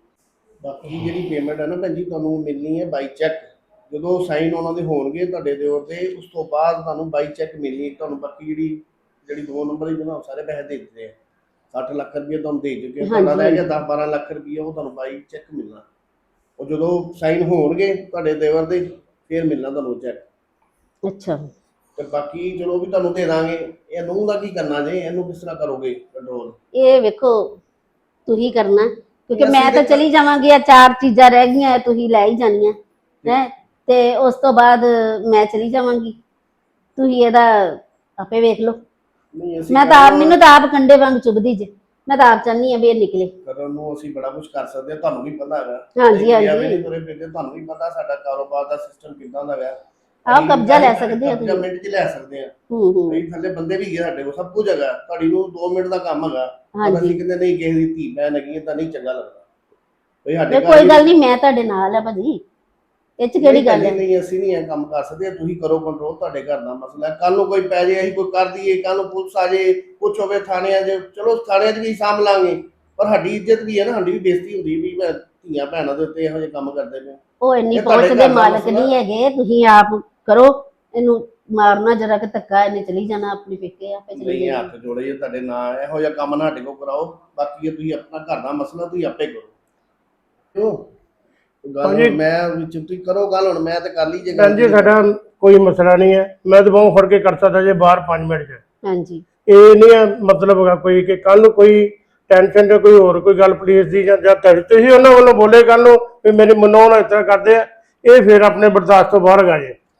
ਬਾਕੀ ਜਿਹੜੀ ਪੇਮੈਂਟ ਹੈ ਨਾ ਭੈਣ ਜੀ, ਤੁਹਾਨੂੰ ਮਿਲਣੀ ਹੈ ਬਾਈ ਚੈੱਕ। ਜਦੋਂ ਸਾਈਨ ਉਹਨਾਂ ਦੇ ਹੋਣਗੇ ਤੁਹਾਡੇ ਦਿਓਰ ਦੇ, ਉਸ ਤੋਂ ਬਾਅਦ ਤੁਹਾਨੂੰ ਬਾਈ ਚੈੱਕ ਮਿਲਣੀ ਤੁਹਾਨੂੰ। ਬਾਕੀ ਜਿਹੜੀ ਜਿਹੜੀ ਦੋ ਨੰਬਰ ਦੀ ਬਣਾ ਸਾਰੇ ਪੈਸੇ ਦੇ ਦਿੱਤੇ ਆ, ਸੱਠ ਲੱਖ ਰੁਪਏ ਤੁਹਾਨੂੰ ਦੇ ਚੁੱਕੇ ਆ, ਤੁਹਾਡਾ ਰਹਿ ਗਿਆ ਦਸ ਬਾਰਾਂ ਲੱਖ ਰੁਪਏ, ਉਹ ਤੁਹਾਨੂੰ ਬਾਈ ਚੈੱਕ ਮਿਲਣਾ। ਉਹ ਜਦੋਂ ਸਾਈਨ ਹੋਣਗੇ ਤੁਹਾਡੇ ਦੇਵਰ ਦੇ, ਫਿਰ ਮਿਲਣਾ ਤੁਹਾਨੂੰ ਚੈੱਕ।
ਅੱਛਾ
ਤੇ ਬਾਕੀ ਚਲੋ ਵੀ ਤੁਹਾਨੂੰ ਦੇ ਦਾਂਗੇ। ਇਹ ਨੂੰਹ ਦਾ ਕੀ ਕਰਨਾ ਜੇ, ਇਹਨੂੰ ਕਿਸ ਤਰ੍ਹਾਂ ਕਰੋਗੇ ਕੰਟਰੋਲ?
ਇਹ ਵੇਖੋ ਤੁਸੀਂ ਕਰਨਾ, ਕਿਉਂਕਿ
ਅਸੀਂ
ਮੈਂ ਤਾਂ
ਤੇ-
ਚਲੀ ਜਾਵਾਂਗੀ, ਆ ਚਾਰ ਚੀਜ਼ਾਂ ਰਹਿ ਗਈਆਂ ਤੁਸੀਂ ਲੈ ਹੀ ਜਾਣੀਆਂ ਹੈ, ਤੇ ਉਸ ਤੋਂ ਬਾਅਦ ਮੈਂ ਚਲੀ ਜਾਵਾਂਗੀ, ਤੁਸੀਂ ਇਹਦਾ ਆਪੇ ਵੇਖ ਲਓ।
ਨਹੀਂ ਅਸੀਂ
ਮੈਂ ਤਾਂ ਆਪ, ਮੈਨੂੰ ਤਾਂ ਆਪ ਕੰਡੇ ਵਾਂਗ ਚੁਭਦੀ ਜੇ, ਮੈਂ ਤਾਂ ਆਪ ਚਾਹੁੰਦੀ ਆ ਵੀ ਇਹ ਨਿਕਲੇ।
ਕਰਨ ਨੂੰ ਅਸੀਂ ਬੜਾ ਕੁਝ ਕਰ ਸਕਦੇ ਹਾਂ, ਤੁਹਾਨੂੰ ਵੀ ਪਤਾ ਹੈਗਾ।
ਹਾਂਜੀ,
ਅਸੀਂ
ਹਾਂਜੀ।
ਵਿਆਹ ਵੀ ਤੁਰੇ ਫਿਰਦੇ, ਤੁਹਾਨੂੰ ਵੀ ਪਤਾ ਸਾਡਾ ਕਾਰੋਬਾਰ ਦਾ ਸਿਸਟਮ ਕਿੱਦਾਂ ਦਾ ਹੈਗਾ।
ਆਹ ਕਬਜ਼ਾ ਲੈ ਸਕਦੇ ਹੋ
ਕਬਜ਼ਾ
ਤੁਸੀਂ।
ਮਿੰਟ 'ਚ ਲੈ ਸਕਦੇ ਆ।
ਹੂੰ ਹੂੰ
ਅਸੀਂ ਥੱਲੇ ਬੰਦੇ ਵੀ ਹੈਗੇ ਸਾਡੇ ਕੋਲ, ਸਭ ਕੁਝ ਹੈਗਾ। ਤੁਹਾਡੀ ਨੂੰ ਦੋ ਮਿੰਟ ਦਾ ਕੰਮ ਹੈਗਾ, ਪਰ
ਹਾਂਜੀ
ਅਸੀਂ ਕਹਿੰਦੇ ਨਹੀਂ ਕਿਸੇ ਦੀ ਧੀ ਭੈਣ ਹੈਗੀ ਤਾਂ ਨਹੀਂ ਚੰਗਾ ਲੱਗਦਾ। ਬਈ ਸਾਡੇ
ਤੇ ਕੋਈ ਗੱਲ ਨਹੀਂ, ਮੈਂ ਤੁਹਾਡੇ ਨਾਲ ਆ ਭਾਜੀ, ਇਹ ਚ ਕਿਹੜੀ ਗੱਲ ਹੈ।
ਨਹੀਂ ਅਸੀਂ ਨਹੀਂ ਇਹ ਕੰਮ ਕਰ ਸਕਦੇ, ਤੁਸੀਂ ਕਰੋ ਕੰਟਰੋਲ, ਤੁਹਾਡੇ ਘਰ ਦਾ ਮਸਲਾ। ਕੱਲ ਨੂੰ ਕੋਈ ਪੈ ਜੇ, ਅਸੀਂ ਕੋਈ ਕਰ ਦਈਏ, ਕੱਲ ਨੂੰ ਪੁਲਿਸ ਆ ਜੇ, ਕੁਛ ਹੋਵੇ ਥਾਣਿਆਂ 'ਚ, ਚਲੋ ਥਾਣਿਆਂ 'ਚ ਵੀ ਸਾਂਭ ਲਾਂਗੇ, ਪਰ ਸਾਡੀ ਇੱਜ਼ਤ ਵੀ ਹੈ ਨਾ, ਸਾਡੀ ਵੀ ਬੇਇੱਜ਼ਤੀ ਹੁੰਦੀ ਵੀ ਮੈਂ ਧੀਆਂ ਭੈਣਾਂ ਦੇ ਉੱਤੇ ਇਹੋ ਜਿਹੇ ਕੰਮ ਕਰਦੇ ਪਏ।
ਉਹ ਇੰਨੀ
ਇਹ ਤੁਹਾਡੇ
ਪਹੁੰਚ
ਘਰ
ਦੇ
ਦਾ
ਮਾਲਕ
ਮਸਲਾ।
ਨਹੀਂ ਹੈਗੇ, ਤੁਸੀਂ ਆਪ ਕਰੋ, ਇਹਨੂੰ ਮਾਰਨਾ ਜਰਾ ਕਿ ਧੱਕਾ, ਇਹਨੇ ਚਲੀ ਜਾਣਾ ਆਪਣੇ ਪੇਕੇ, ਆਪੇ ਚਲੀ
ਨਹੀਂ
ਜਾਣਾ।
ਹੱਥ ਜੋੜੇ ਜੇ ਤੁਹਾਡੇ ਨਾਂ, ਇਹੋ ਜਿਹਾ ਕੰਮ ਨਾ ਸਾਡੇ ਕੋਲ ਕਰਾਓ। ਬਾਕੀ ਇਹ ਤੁਸੀਂ ਆਪਣਾ ਘਰ ਦਾ ਮਸਲਾ ਤੁਸੀਂ ਆਪੇ ਕਰੋ, ਕਿਉਂ ਗੱਲ
ਹਾਂਜੀ।
ਮੈਂ ਵਿੱਚ ਤੁਸੀਂ ਕਰੋ ਗੱਲ, ਹੁਣ ਮੈਂ ਤੇ ਕਰ ਲਈ ਜੇ
ਭੈਣ ਜੀ ਸਾਡਾ ਕੋਈ ਮਸਲਾ ਨਹੀਂ ਹੈ, ਮੈਂ ਤਾਂ ਬਹੁਤ ਫੜ ਕੇ ਕਰ ਸਕਦਾ ਜੇ ਬਾਹਰ ਪੰਜ ਮਿੰਟ 'ਚ।
ਹਾਂਜੀ
ਇਹ ਨਹੀਂ ਹੈ ਮਤਲਬ ਹੈਗਾ ਕੋਈ ਕਿ ਕੱਲ ਨੂੰ ਕੋਈ ਟੈਨਸ਼ਨ ਜਾਂ ਕੋਈ ਹੋਰ ਕੋਈ ਗੱਲ ਪੁਲਿਸ ਦੀ ਜਾਂ ਜਾਂ ਤੁਹਾਡੀ, ਤੁਸੀਂ ਉਹਨਾਂ ਵੱਲੋਂ ਬੋਲੇ ਕੱਲ ਨੂੰ ਵੀ ਮੇਰੇ ਮਨੋਂ ਨਾ ਇਸ ਤਰ੍ਹਾਂ ਕਰਦੇ ਆ, ਇਹ ਫਿਰ ਆਪਣੇ ਬਰਦਾਸ਼ਤ ਤੋਂ ਬਾਹਰ ਹੈਗਾ ਜੇ।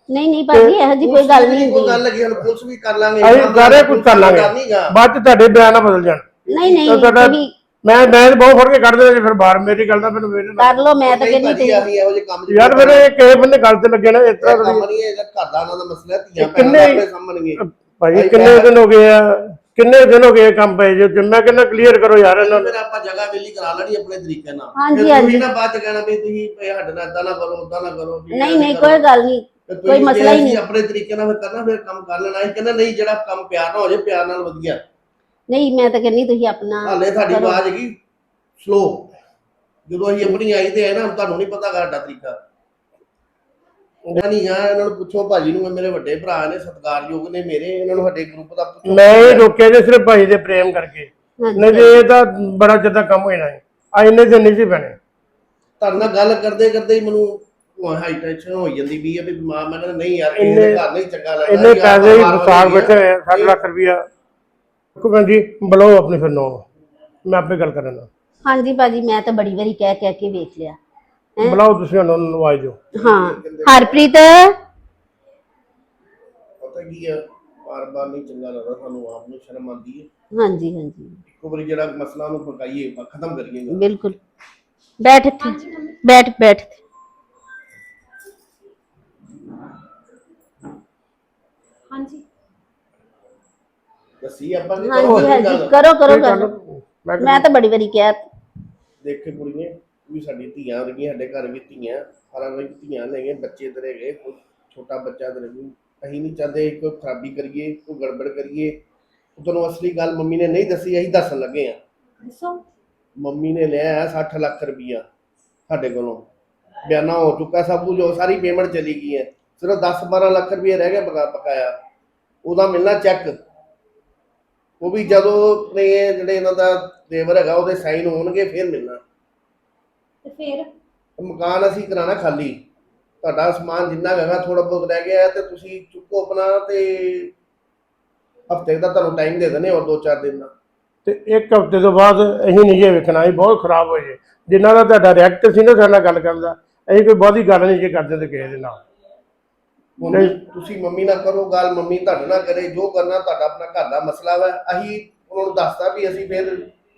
ਨਹੀਂ ਨਹੀਂ ਭਾਜੀ ਇਹੋ ਜੀ ਕੋਈ ਗੱਲ ਨਹੀਂ
ਕੋਈ
ਹੁੰਦੀ।
ਗੱਲ ਲੱਗੀ, ਹੁਣ ਪੁਲਿਸ ਵੀ ਕਰ ਲਾਂਗੇ,
ਅਸੀਂ ਸਾਰੇ ਕੁਝ ਕਰ ਲਾਂਗੇ,
ਡਰ ਨੀ ਗਾ।
ਬਾਅਦ ਚ ਤੁਹਾਡੇ ਬਿਆਨ ਨਾ ਬਦਲ ਜਾਣ।
ਨਹੀਂ ਨਹੀਂ
ਤਾਂ ਤੁਹਾਡਾ
ਤੁਸੀਂ
ਮੈਂ ਮੈਂ ਤਾਂ ਬਹੁਤ ਫੜ ਕੇ ਕੱਢ ਦੇਣਾ ਜੀ ਫਿਰ ਬਾਹਰ, ਮੇਰੀ ਗੱਲ ਦਾ ਮੈਨੂੰ ਮੇਰੇ ਨਾਲ
ਕਰ ਲਓ, ਮੈਂ ਤਾਂ
ਨਹੀਂ
ਕਹਿੰਦੀ
ਭਾਜੀ,
ਤੁਸੀਂ
ਅਸੀਂ ਇਹੋ ਜਿਹੇ ਕੰਮ 'ਚ
ਯਾਰ ਫਿਰ ਇਹ ਕਿਸੇ ਬੰਦੇ ਗੱਲ ਤੇ ਲੱਗੇ ਨਾ ਇਸ
ਇਹ
ਤਰ੍ਹਾਂ
ਕੰਮ
ਦੀ।
ਨਹੀਂ ਹੈ, ਇਹਦਾ ਘਰ ਦਾ ਉਹਨਾਂ ਦਾ ਮਸਲਾ ਹੈ, ਧੀਆਂ
ਕਿੰਨੇ-
ਭੈਣਾਂ ਆਪਣੇ ਸਾਹਮਣੇ।
ਭਾਈ ਕਿੰਨੇ ਦਿਨ ਹੋ ਗਏ ਆ, ਕਿੰਨੇ ਦਿਨ ਹੋ ਗਏ ਕੰਮ ਪਏ ਜੋ ਮੈਂ ਕਹਿੰਦਾ ਕਲੀਅਰ ਕਰੋ ਯਾਰ ਇਹਨਾਂ ਨੂੰ।
ਫਿਰ ਆਪਾਂ ਜਗ੍ਹਾ ਵੇਲੀ ਕਰਾ ਲੈਣੀ ਆਪਣੇ ਤਰੀਕੇ ਨਾਲ।
ਹਾਂਜੀ,
ਫਿਰ
ਹਾਂਜੀ।
ਤੁਸੀਂ ਨਾ ਬਾਅਦ ਚ ਕਹਿਣਾ ਵੀ ਤੁਸੀਂ ਇਹ ਸਾਡੇ ਨਾਲ ਏਦਾਂ ਨਾ ਕਰੋ, ਓਦਾਂ ਨਾ ਕਰੋ। ਵੀ
ਨਹੀਂ
ਐਵੇਂ
ਨਹੀਂ
ਕਰੋ।
ਕੋਈ ਗੱਲ ਨਹੀਂ,
ਤੇ ਤੁਸੀਂ
ਕੋਈ ਮਸਲਾ ਹੀ
ਜੇ
ਨਹੀਂ।
ਅਸੀਂ ਆਪਣੇ ਤਰੀਕੇ ਨਾਲ ਫਿਰ ਕਰਨਾ, ਫਿਰ ਕੰਮ ਕਰ ਲੈਣਾ। ਅਸੀਂ ਕਹਿੰਦਾ ਨਹੀਂ, ਜਿਹੜਾ ਕੰਮ ਪਿਆਰ ਨਾਲ ਹੋ ਜਾਏ, ਪਿਆਰ ਨਾਲ ਵਧੀਆ।
ਨਹੀਂ ਮੈਂ ਤਾਂ ਕਹਿੰਦੀ ਤੁਸੀਂ ਆਪਣਾ
ਹਾਲੇ ਤੁਹਾਡੀ
ਕਰੋ।
ਆਵਾਜ਼ ਹੈਗੀ ਸਲੋ, ਜਦੋਂ ਅਸੀਂ ਆਪਣੀ ਆਈ ਤੇ ਹੈ ਨਾ, ਤੁਹਾਨੂੰ ਨਹੀਂ ਪਤਾ ਸਾਡਾ ਤਰੀਕਾ। ਉਹਨਾਂ ਨਹੀਂ ਆ, ਇਹਨਾਂ ਨੂੰ ਪੁੱਛੋ ਭਾਜੀ ਨੂੰ, ਮੇਰੇ ਵੱਡੇ ਭਰਾ ਨੇ, ਸਤਿਕਾਰਯੋਗ ਨੇ ਮੇਰੇ, ਇਹਨਾਂ ਨੂੰ ਸਾਡੇ ਗਰੁੱਪ ਦਾ ਪੁੱਛੋ।
ਮੈਂ ਇਹ ਰੋਕਿਆ ਜੇ ਸਿਰਫ ਭਾਈ ਦੇ ਪ੍ਰੇਮ ਕਰਕੇ,
ਹਾਂਜੀ।
ਨਹੀਂ ਤੇ ਇਹ ਤਾਂ ਬੜਾ ਜਿੱਦਾਂ ਕੰਮ ਹੋ ਜਾਣਾ ਹੈ। ਆ ਇੰਨੇ ਦਿਨ ਨਹੀਂ ਸੀ ਪੈਣੇ।
ਤੁਹਾਡੇ ਨਾਲ ਗੱਲ ਕਰਦੇ ਕਰਦੇ ਹੀ ਮੈਨੂੰ ਹਾਈ ਟੈਨਸ਼ਨ ਹੋ ਜਾਂਦੀ ਵੀ ਆ ਵੀ ਮਾਂ, ਮੈਂ ਕਹਿੰਦਾ ਨਹੀਂ ਯਾਰ, ਕਿਸੇ ਦੇ
ਇੰਨੇ-
ਘਰ ਨਹੀਂ ਚੰਗਾ ਲੱਗਦਾ।
ਇੰਨੇ
ਯਾਰ
ਪੈਸੇ ਹੀ
ਬਾਹਰ
ਸਾਗ
ਵਾਲੀ
ਬੈਠੇ ਹੋਏ ਆ, ਸੱਠ
ਇਹ-
ਲੱਖ ਰੁਪਇਆ। ਦੇਖੋ ਭੈਣ ਜੀ ਬੁਲਾਓ ਆਪਣੀ ਫਿਰ ਨੋ, ਮੈਂ ਆਪੇ ਗੱਲ ਕਰਨਾ।
ਹਾਂਜੀ ਭਾਜੀ ਮੈਂ ਤਾਂ ਬੜੀ ਵਾਰੀ ਕਹਿ ਕਹਿ ਕੇ ਵੇਖ ਲਿਆ। ਹੈਂ?
ਬੁਲਾਓ ਤੁਸੀਂ ਉਹਨਾਂ ਨੂੰ, ਨਵਾਜ ਦਿਓ।
ਹਾਂ ਹਰਪ੍ਰੀਤ
ਪਤਾ ਕੀ ਆ, ਬਾਰ ਬਾਰ ਨਹੀਂ ਚੰਗਾ ਲੱਗਦਾ, ਸਾਨੂੰ ਆਪ ਨੂੰ ਸ਼ਰਮ ਆਉਂਦੀ ਹੈ।
ਹਾਂਜੀ ਹਾਂਜੀ
ਇੱਕੋ ਵਾਰੀ ਜਿਹੜਾ ਮਸਲਾ ਨੂੰ ਫਕਾਈਏ, ਖਤਮ ਕਰੀਏ।
ਬਿਲਕੁਲ। ਬੈਠ ਇੱਥੇ, ਬੈਠ ਬੈਠ ਇੱਥੇ।
ਹਾਂਜੀ
ਦੱਸੀ ਆਪਾਂ ਨੇ
ਹਾਂਜੀ ਹਾਂਜੀ ਕਰੋ ਕਰੋ ਗੱਲ।
ਮੈਂ
ਮੈਂ ਤਾਂ ਬੜੀ ਵਾਰੀ ਕਿਹਾ।
ਦੇਖੇ ਕੁੜੀਆਂ ਵੀ ਸਾਡੀ ਧੀਆਂ ਰਹੀਆਂ, ਸਾਡੇ ਘਰ ਵੀ ਧੀਆਂ, ਸਾਰਾ ਕੁਝ ਧੀਆਂ ਲੈ ਗਏ, ਬੱਚੇ ਤੇਰੇ ਗਏ, ਕੋਈ ਛੋਟਾ ਬੱਚਾ ਤੇਰੇ ਵੀ। ਅਸੀਂ ਨਹੀਂ ਚਾਹਦੇ ਕੋਈ ਖਰਾਬੀ ਕਰੀਏ, ਕੋਈ ਗੜਬੜ ਕਰੀਏ। ਤੁਹਾਨੂੰ ਅਸਲੀ ਗੱਲ ਮੰਮੀ ਨੇ ਨਹੀਂ ਦੱਸੀ, ਅਸੀਂ ਦੱਸਣ ਲੱਗੇ ਆ।
ਦੱਸੋ।
ਮੰਮੀ ਨੇ ਲਿਆ ਸੱਠ ਲੱਖ ਰੁਪਈਆ ਸਾਡੇ ਕੋਲੋਂ, ਬਿਆਨਾ ਹੋ ਚੁੱਕਾ ਸਭ ਕੁਝ, ਉਹ ਸਾਰੀ ਪੇਮੈਂਟ ਚਲੀ ਗਈ ਹੈ। ਸਿਰਫ ਦਸ ਬਾਰਾਂ ਲੱਖ ਰੁਪਈਆ ਰਹਿ ਗਿਆ ਬਕਾ ਬਕਾਇਆ, ਉਹਦਾ ਮਿਲਣਾ ਚੈੱਕ। ਉਹ ਵੀ ਜਦੋਂ ਨੇ ਜਿਹੜੇ ਇਹਨਾਂ ਦਾ ਦੇਵਰ ਹੈਗਾ ਉਹਦੇ ਸਾਈਨ ਹੋਣਗੇ ਫਿਰ ਮਿਲਣਾ।
ਤੇ ਫਿਰ
ਮਕਾਨ ਅਸੀਂ ਕਰਾਣਾ ਖਾਲੀ, ਤੁਹਾਡਾ ਸਮਾਨ ਜਿੰਨਾ ਹੈਗਾ ਥੋੜਾ ਬਹੁਤ ਰਹਿ ਗਿਆ ਤੇ ਤੁਸੀਂ ਚੁੱਕੋ ਆਪਣਾ, ਤੇ ਹਫਤੇ ਦਾ ਤੁਹਾਨੂੰ ਟਾਈਮ ਦੇ ਦਿੰਦੇ, ਔਰ ਦੋ ਚਾਰ ਦਿਨ ਦਾ।
ਤੇ ਇੱਕ ਹਫ਼ਤੇ ਤੋਂ ਬਾਅਦ ਅਸੀਂ ਨਹੀਂ ਜੇ ਵੇਖਣਾ, ਅਸੀਂ ਬਹੁਤ ਖਰਾਬ ਹੋਏ ਜੇ। ਜਿਨ੍ਹਾਂ ਦਾ ਤੁਹਾਡਾ ਰਿਐਕਟ ਸੀ ਨਾ ਸਾਡੇ ਨਾਲ ਗੱਲ ਕਰਨ ਦਾ, ਅਸੀਂ ਕੋਈ ਬਹੁਤੀ ਗੱਲ ਨਹੀਂ ਜੇ ਕਰਦੇ ਤੇ ਕਿਸੇ ਦੇ ਨਾਲ।
ਹੁਣ ਤੁਸੀਂ ਮੰਮੀ ਨਾਲ ਕਰੋ ਗੱਲ, ਮੰਮੀ ਤੁਹਾਡੇ ਨਾਲ ਕਰੇ, ਜੋ ਕਰਨਾ ਤੁਹਾਡਾ ਆਪਣਾ ਘਰ ਦਾ ਮਸਲਾ ਵਾ। ਅਸੀਂ ਉਹਨਾਂ ਨੂੰ ਦੱਸਤਾ ਵੀ ਅਸੀਂ ਫਿਰ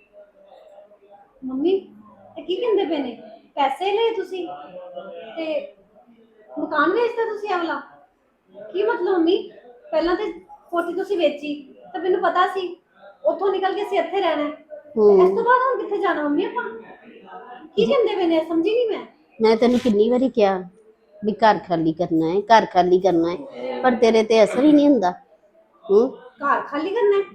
ਮੰਮੀ ਇਹ ਕੀ ਕਹਿੰਦੇ ਪਏ ਨੇ? ਪੈਸੇ ਲਏ ਤੁਸੀਂ ਤੇ ਮਕਾਨ ਵੇਚਦਾ ਤੁਸੀਂ? ਆਵਲਾ ਕੀ ਮਤਲਬ ਮੰਮੀ? ਪਹਿਲਾਂ ਤੇ ਕੋਠੀ ਤੁਸੀਂ ਵੇਚੀ ਤਾਂ ਮੈਨੂੰ ਪਤਾ ਸੀ ਉੱਥੋਂ ਨਿਕਲ ਕੇ ਅਸੀਂ ਇੱਥੇ ਰਹਿਣਾ ਹੈ। ਤੇ ਇਸ ਤੋਂ ਬਾਅਦ ਹੁਣ ਕਿੱਥੇ ਜਾਣਾ ਮੰਮੀ ਆਪਾਂ? ਕੀ ਕਹਿੰਦੇ ਪਏ ਨੇ? ਸਮਝੀ ਨਹੀਂ ਮੈਂ।
ਮੈਂ ਤੈਨੂੰ ਕਿੰਨੀ ਵਾਰੀ ਕਿਹਾ ਵੀ ਘਰ ਖਾਲੀ ਕਰਨਾ ਹੈ, ਘਰ ਖਾਲੀ ਕਰਨਾ ਹੈ, ਪਰ ਤੇਰੇ ਤੇ ਅਸਰ ਹੀ ਨਹੀਂ ਹੁੰਦਾ। ਹੂੰ
ਘਰ ਖਾਲੀ ਕਰਨਾ ਹੈ?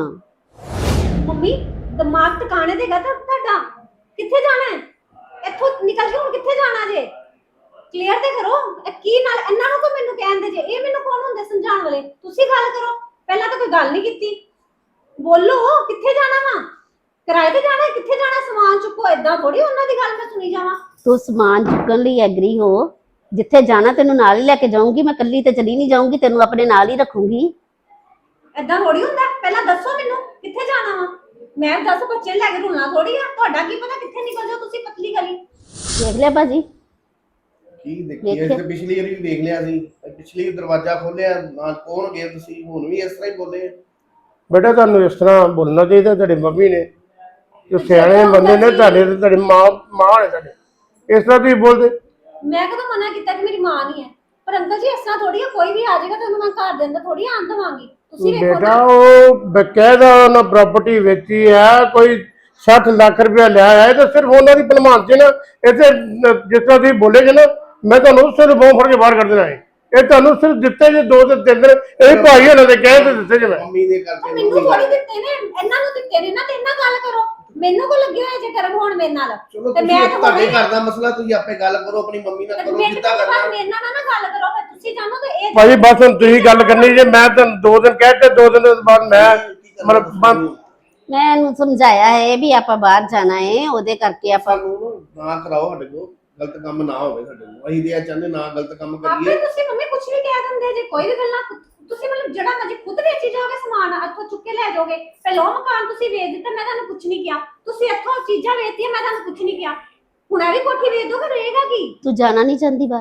ਹਾਂ
ਮੰਮੀ ਦਿਮਾਗ ਟਿਕਾਣੇ ਦੇਗਾ ਤਾਂ ਤੁਹਾਡਾ? ਕਿੱਥੇ ਜਾਣਾ ਹੈ? ਇੱਥੋਂ ਨਿਕਲ ਕੇ ਹੁਣ ਕਿੱਥੇ ਜਾਣਾ ਜੇ? ਕਲੀਅਰ ਤੇ ਕਰੋ। ਇਹ ਕੀ ਨਾਲ ਇਹਨਾਂ ਨੂੰ ਤਾਂ ਮੈਨੂੰ ਕਹਿੰਦੇ ਜੇ, ਇਹ ਮੈਨੂੰ ਕੌਣ ਹੁੰਦੇ ਸਮਝਾਉਣ ਵਾਲੇ? ਤੁਸੀਂ ਗੱਲ ਕਰੋ। ਪਹਿਲਾਂ ਤਾਂ ਕੋਈ ਗੱਲ ਨਹੀਂ ਕੀਤੀ। ਬੋਲੋ ਕਿੱਥੇ ਜਾਣਾ ਵਾ? ਕਿਰਾਏ ਤੇ ਜਾਣਾ? ਕਿੱਥੇ ਜਾਣਾ? ਸਮਾਨ ਚੁੱਕੋ। ਏਦਾਂ ਥੋੜੀ ਉਹਨਾਂ ਦੀ ਗੱਲ ਮੈਂ ਸੁਣੀ ਜਾਵਾਂ।
ਤੂੰ ਸਮਾਨ ਚੁੱਕਣ ਲਈ ਐਗਰੀ ਹੋ, ਜਿੱਥੇ ਜਾਣਾ ਤੈਨੂੰ ਨਾਲ ਹੀ ਲੈ ਕੇ ਜਾਊਂਗੀ। ਮੈਂ ਇਕੱਲੀ ਤੇ ਚਲੀ ਨਹੀਂ ਜਾਊਂਗੀ, ਤੈਨੂੰ ਆਪਣੇ ਨਾਲ ਹੀ ਰੱਖੂੰਗੀ।
ਏਦਾਂ ਥੋੜੀ ਹੁੰਦਾ। ਪਹਿਲਾਂ ਦੱਸੋ ਮੈਨੂੰ ਕਿੱਥੇ ਜਾਣਾ ਵਾ? ਮੈਂ ਦੱਸ ਬੱਚੇ ਲੈ ਕੇ ਰੁਲਣਾ ਥੋੜੀ ਆ। ਤੁਹਾਡਾ ਕੀ ਪਤਾ ਕਿੱਥੇ ਨਿਕਲ ਜਾਓ ਤੁਸੀਂ ਪਤਲੀ ਗਲੀ।
ਦੇਖ ਲਿਆ ਭਾਜੀ?
ਕੀ ਦੇਖੀ ਇਸ ਤੇ ਪਿਛਲੀ ਵਾਰੀ ਵੀ ਵੇਖ ਲਿਆ ਸੀ, ਪਿਛਲੀ ਦਰਵਾਜ਼ਾ ਖੋਲਿਆ ਨਾਲ ਕੌਣ ਗਏ ਤੁਸੀਂ, ਹੁਣ ਵੀ ਇਸ ਤਰ੍ਹਾਂ ਹੀ ਬੋਲੇ।
ਬੇਟਾ ਤੁਹਾਨੂੰ ਇਸ ਤਰ੍ਹਾਂ ਬੋਲਣਾ ਚਾਹੀਦਾ। ਤੁਹਾਡੀ ਮੰਮੀ ਨੇ ਜੋ ਸਿਆਣੇ ਬੰਦੇ ਨੇ, ਤੁਹਾਡੇ ਤੇ ਤੁਹਾਡੀ ਮਾਂ ਮਾਂ ਨੇ ਤੁਹਾਡੇ, ਇਸ ਤਰ੍ਹਾਂ ਤੁਸੀਂ ਬੋਲਦੇ?
ਮੈਂ ਕਦੋਂ ਮਨਾ ਕੀਤਾ ਕਿ ਮੇਰੀ ਮਾਂ ਨਹੀਂ ਹੈ? ਪਰ ਅੰਕਲ ਜੀ ਇਸ ਤਰ੍ਹਾਂ ਥੋੜੀ ਆ, ਕੋਈ ਵੀ ਆ ਜਾਏਗਾ ਤੇ ਉਹਨੂੰ ਮੈਂ ਘਰ ਦੇ ਅੰਦਰ ਥੋੜੀ ਆਣ ਦਵਾਂਗੀ। ਤੁਸੀਂ ਵੇਖੋ
ਬੇਟਾ
ਨਾ।
ਉਹ ਬਕਾਇਦਾ ਉਹਨਾਂ ਪ੍ਰਾਪਰਟੀ ਵੇਚੀ ਹੈ, ਕੋਈ ਸੱਠ ਲੱਖ ਰੁਪਇਆ ਲਿਆ ਹੈ, ਤੇ ਸਿਰਫ ਉਹਨਾਂ ਦੀ ਭਲਮਾਨ ਚ ਨਾ ਇੱਥੇ ਜਿਸ ਤਰ੍ਹਾਂ ਤੁਸੀਂ ਬੋਲੇ ਜੇ ਨਾ, ਮੈਂ ਤੁਹਾਨੂੰ ਸਿਰ ਬਹੁਤ ਫੜ ਕੇ ਬਾਹਰ ਕਰ ਦੇਣਾ ਹੈ। ਇਹ ਤੁਹਾਨੂੰ ਸਿਰਫ ਦਿੱਤੇ ਜੇ ਦੋ ਤੇ ਤਿੰਨ ਦਿਨ, ਇਹ ਭਾਈ ਉਹਨਾਂ ਦੇ ਕਹਿ ਤੇ ਦਿੱਤੇ ਜੇ। ਮੈਂ
ਮੰਮੀ ਦੇ ਕਰਕੇ
ਮੈਨੂੰ ਥੋੜੀ ਦਿੱਤੇ ਨੇ, ਇਹਨਾਂ ਨੂੰ ਦਿੱਤੇ ਨੇ ਨਾ। ਤੇ ਇਹਨਾਂ ਗੱਲ ਕਰੋ। ਮੈਨੂੰ ਕੋ ਲੱਗੇ ਹੋਏ ਜੇ ਕਰਮ ਹੋਣ ਮੇਰੇ ਨਾਲ।
ਚਲੋ
ਤੇ
ਤੁਸੀਂ
ਮੈਂ ਤਾਂ
ਤੁਹਾਡੇ
ਹੁਣੇ-
ਘਰ ਦਾ ਮਸਲਾ, ਤੁਸੀਂ ਆਪੇ ਗੱਲ ਕਰੋ, ਆਪਣੀ ਮੰਮੀ ਨਾਲ ਕਰੋ,
ਮਿੰਟ
ਜਿੱਦਾਂ
ਤੋਂ ਬਾਅਦ
ਕਰਨਾ।
ਮੇਰੇ ਨਾਲ ਨਾ ਗੱਲ ਕਰੋ। ਫਿਰ ਤੁਸੀਂ ਜਾਣੋ ਤੇ ਇਹ
ਭਾਜੀ ਬਸ ਹੁਣ ਤੁਸੀਂ ਗੱਲ ਕਰਨੀ ਜੇ। ਮੈਂ ਤੁਹਾਨੂੰ ਦੋ ਦਿਨ ਕਹਿ ਤੇ ਦੋ ਦਿਨ ਤੋਂ ਬਾਅਦ ਮੈਂ ਮਤਲਬ ਬੰਦ।
ਮੈਂ ਇਹਨੂੰ ਸਮਝਾਇਆ ਹੈ ਵੀ ਆਪਾਂ ਬਾਹਰ ਜਾਣਾ ਹੈ, ਉਹਦੇ ਕਰਕੇ ਆਪਾਂ
ਸਾਨੂੰ ਨਾ ਕਰਾਓ ਸਾਡੇ ਕੋਲ, ਗਲਤ ਕੰਮ ਨਾ ਹੋਵੇ ਸਾਡੇ ਕੋਲ। ਅਸੀਂ ਤੇ ਇਹ ਚਾਹੁੰਦੇ ਨਾ ਗਲਤ ਕੰਮ
ਆਪੇ
ਕਰੀਏ।
ਤੁਸੀਂ ਮੰਮੀ ਕੁਝ ਵੀ ਕਹਿ ਦਿੰਦੇ ਜੇ, ਕੋਈ ਵੀ ਗੱਲਾਂ ਤੁਸੀਂ ਮਤਲਬ ਜਿਹੜਾ ਮਰਜੀ ਖੁਦ ਵੇਚੀ ਜਾਓਗੇ ਸਮਾਨ, ਇੱਥੋਂ ਚੁੱਕ ਕੇ ਲੈ ਜਾਓਗੇ। ਪਹਿਲਾਂ ਉਹ ਮਕਾਨ ਤੁਸੀਂ ਵੇਚ ਦਿੱਤਾ, ਮੈਂ ਤੁਹਾਨੂੰ ਕੁਝ ਨਹੀਂ ਕਿਹਾ। ਤੁਸੀਂ ਇੱਥੋਂ ਚੀਜ਼ਾਂ ਵੇਚਤੀਆਂ, ਮੈਂ ਤੁਹਾਨੂੰ ਕੁਝ ਨਹੀਂ ਕਿਹਾ। ਹੁਣ ਇਹ ਵੀ ਕੋਠੀ ਵੇਚ ਦੋਗੇ, ਰਹੇਗਾ ਕੀ?
ਤੂੰ ਜਾਣਾ ਨਹੀਂ ਚਾਹੁੰਦੀ ਬਾਹਰ?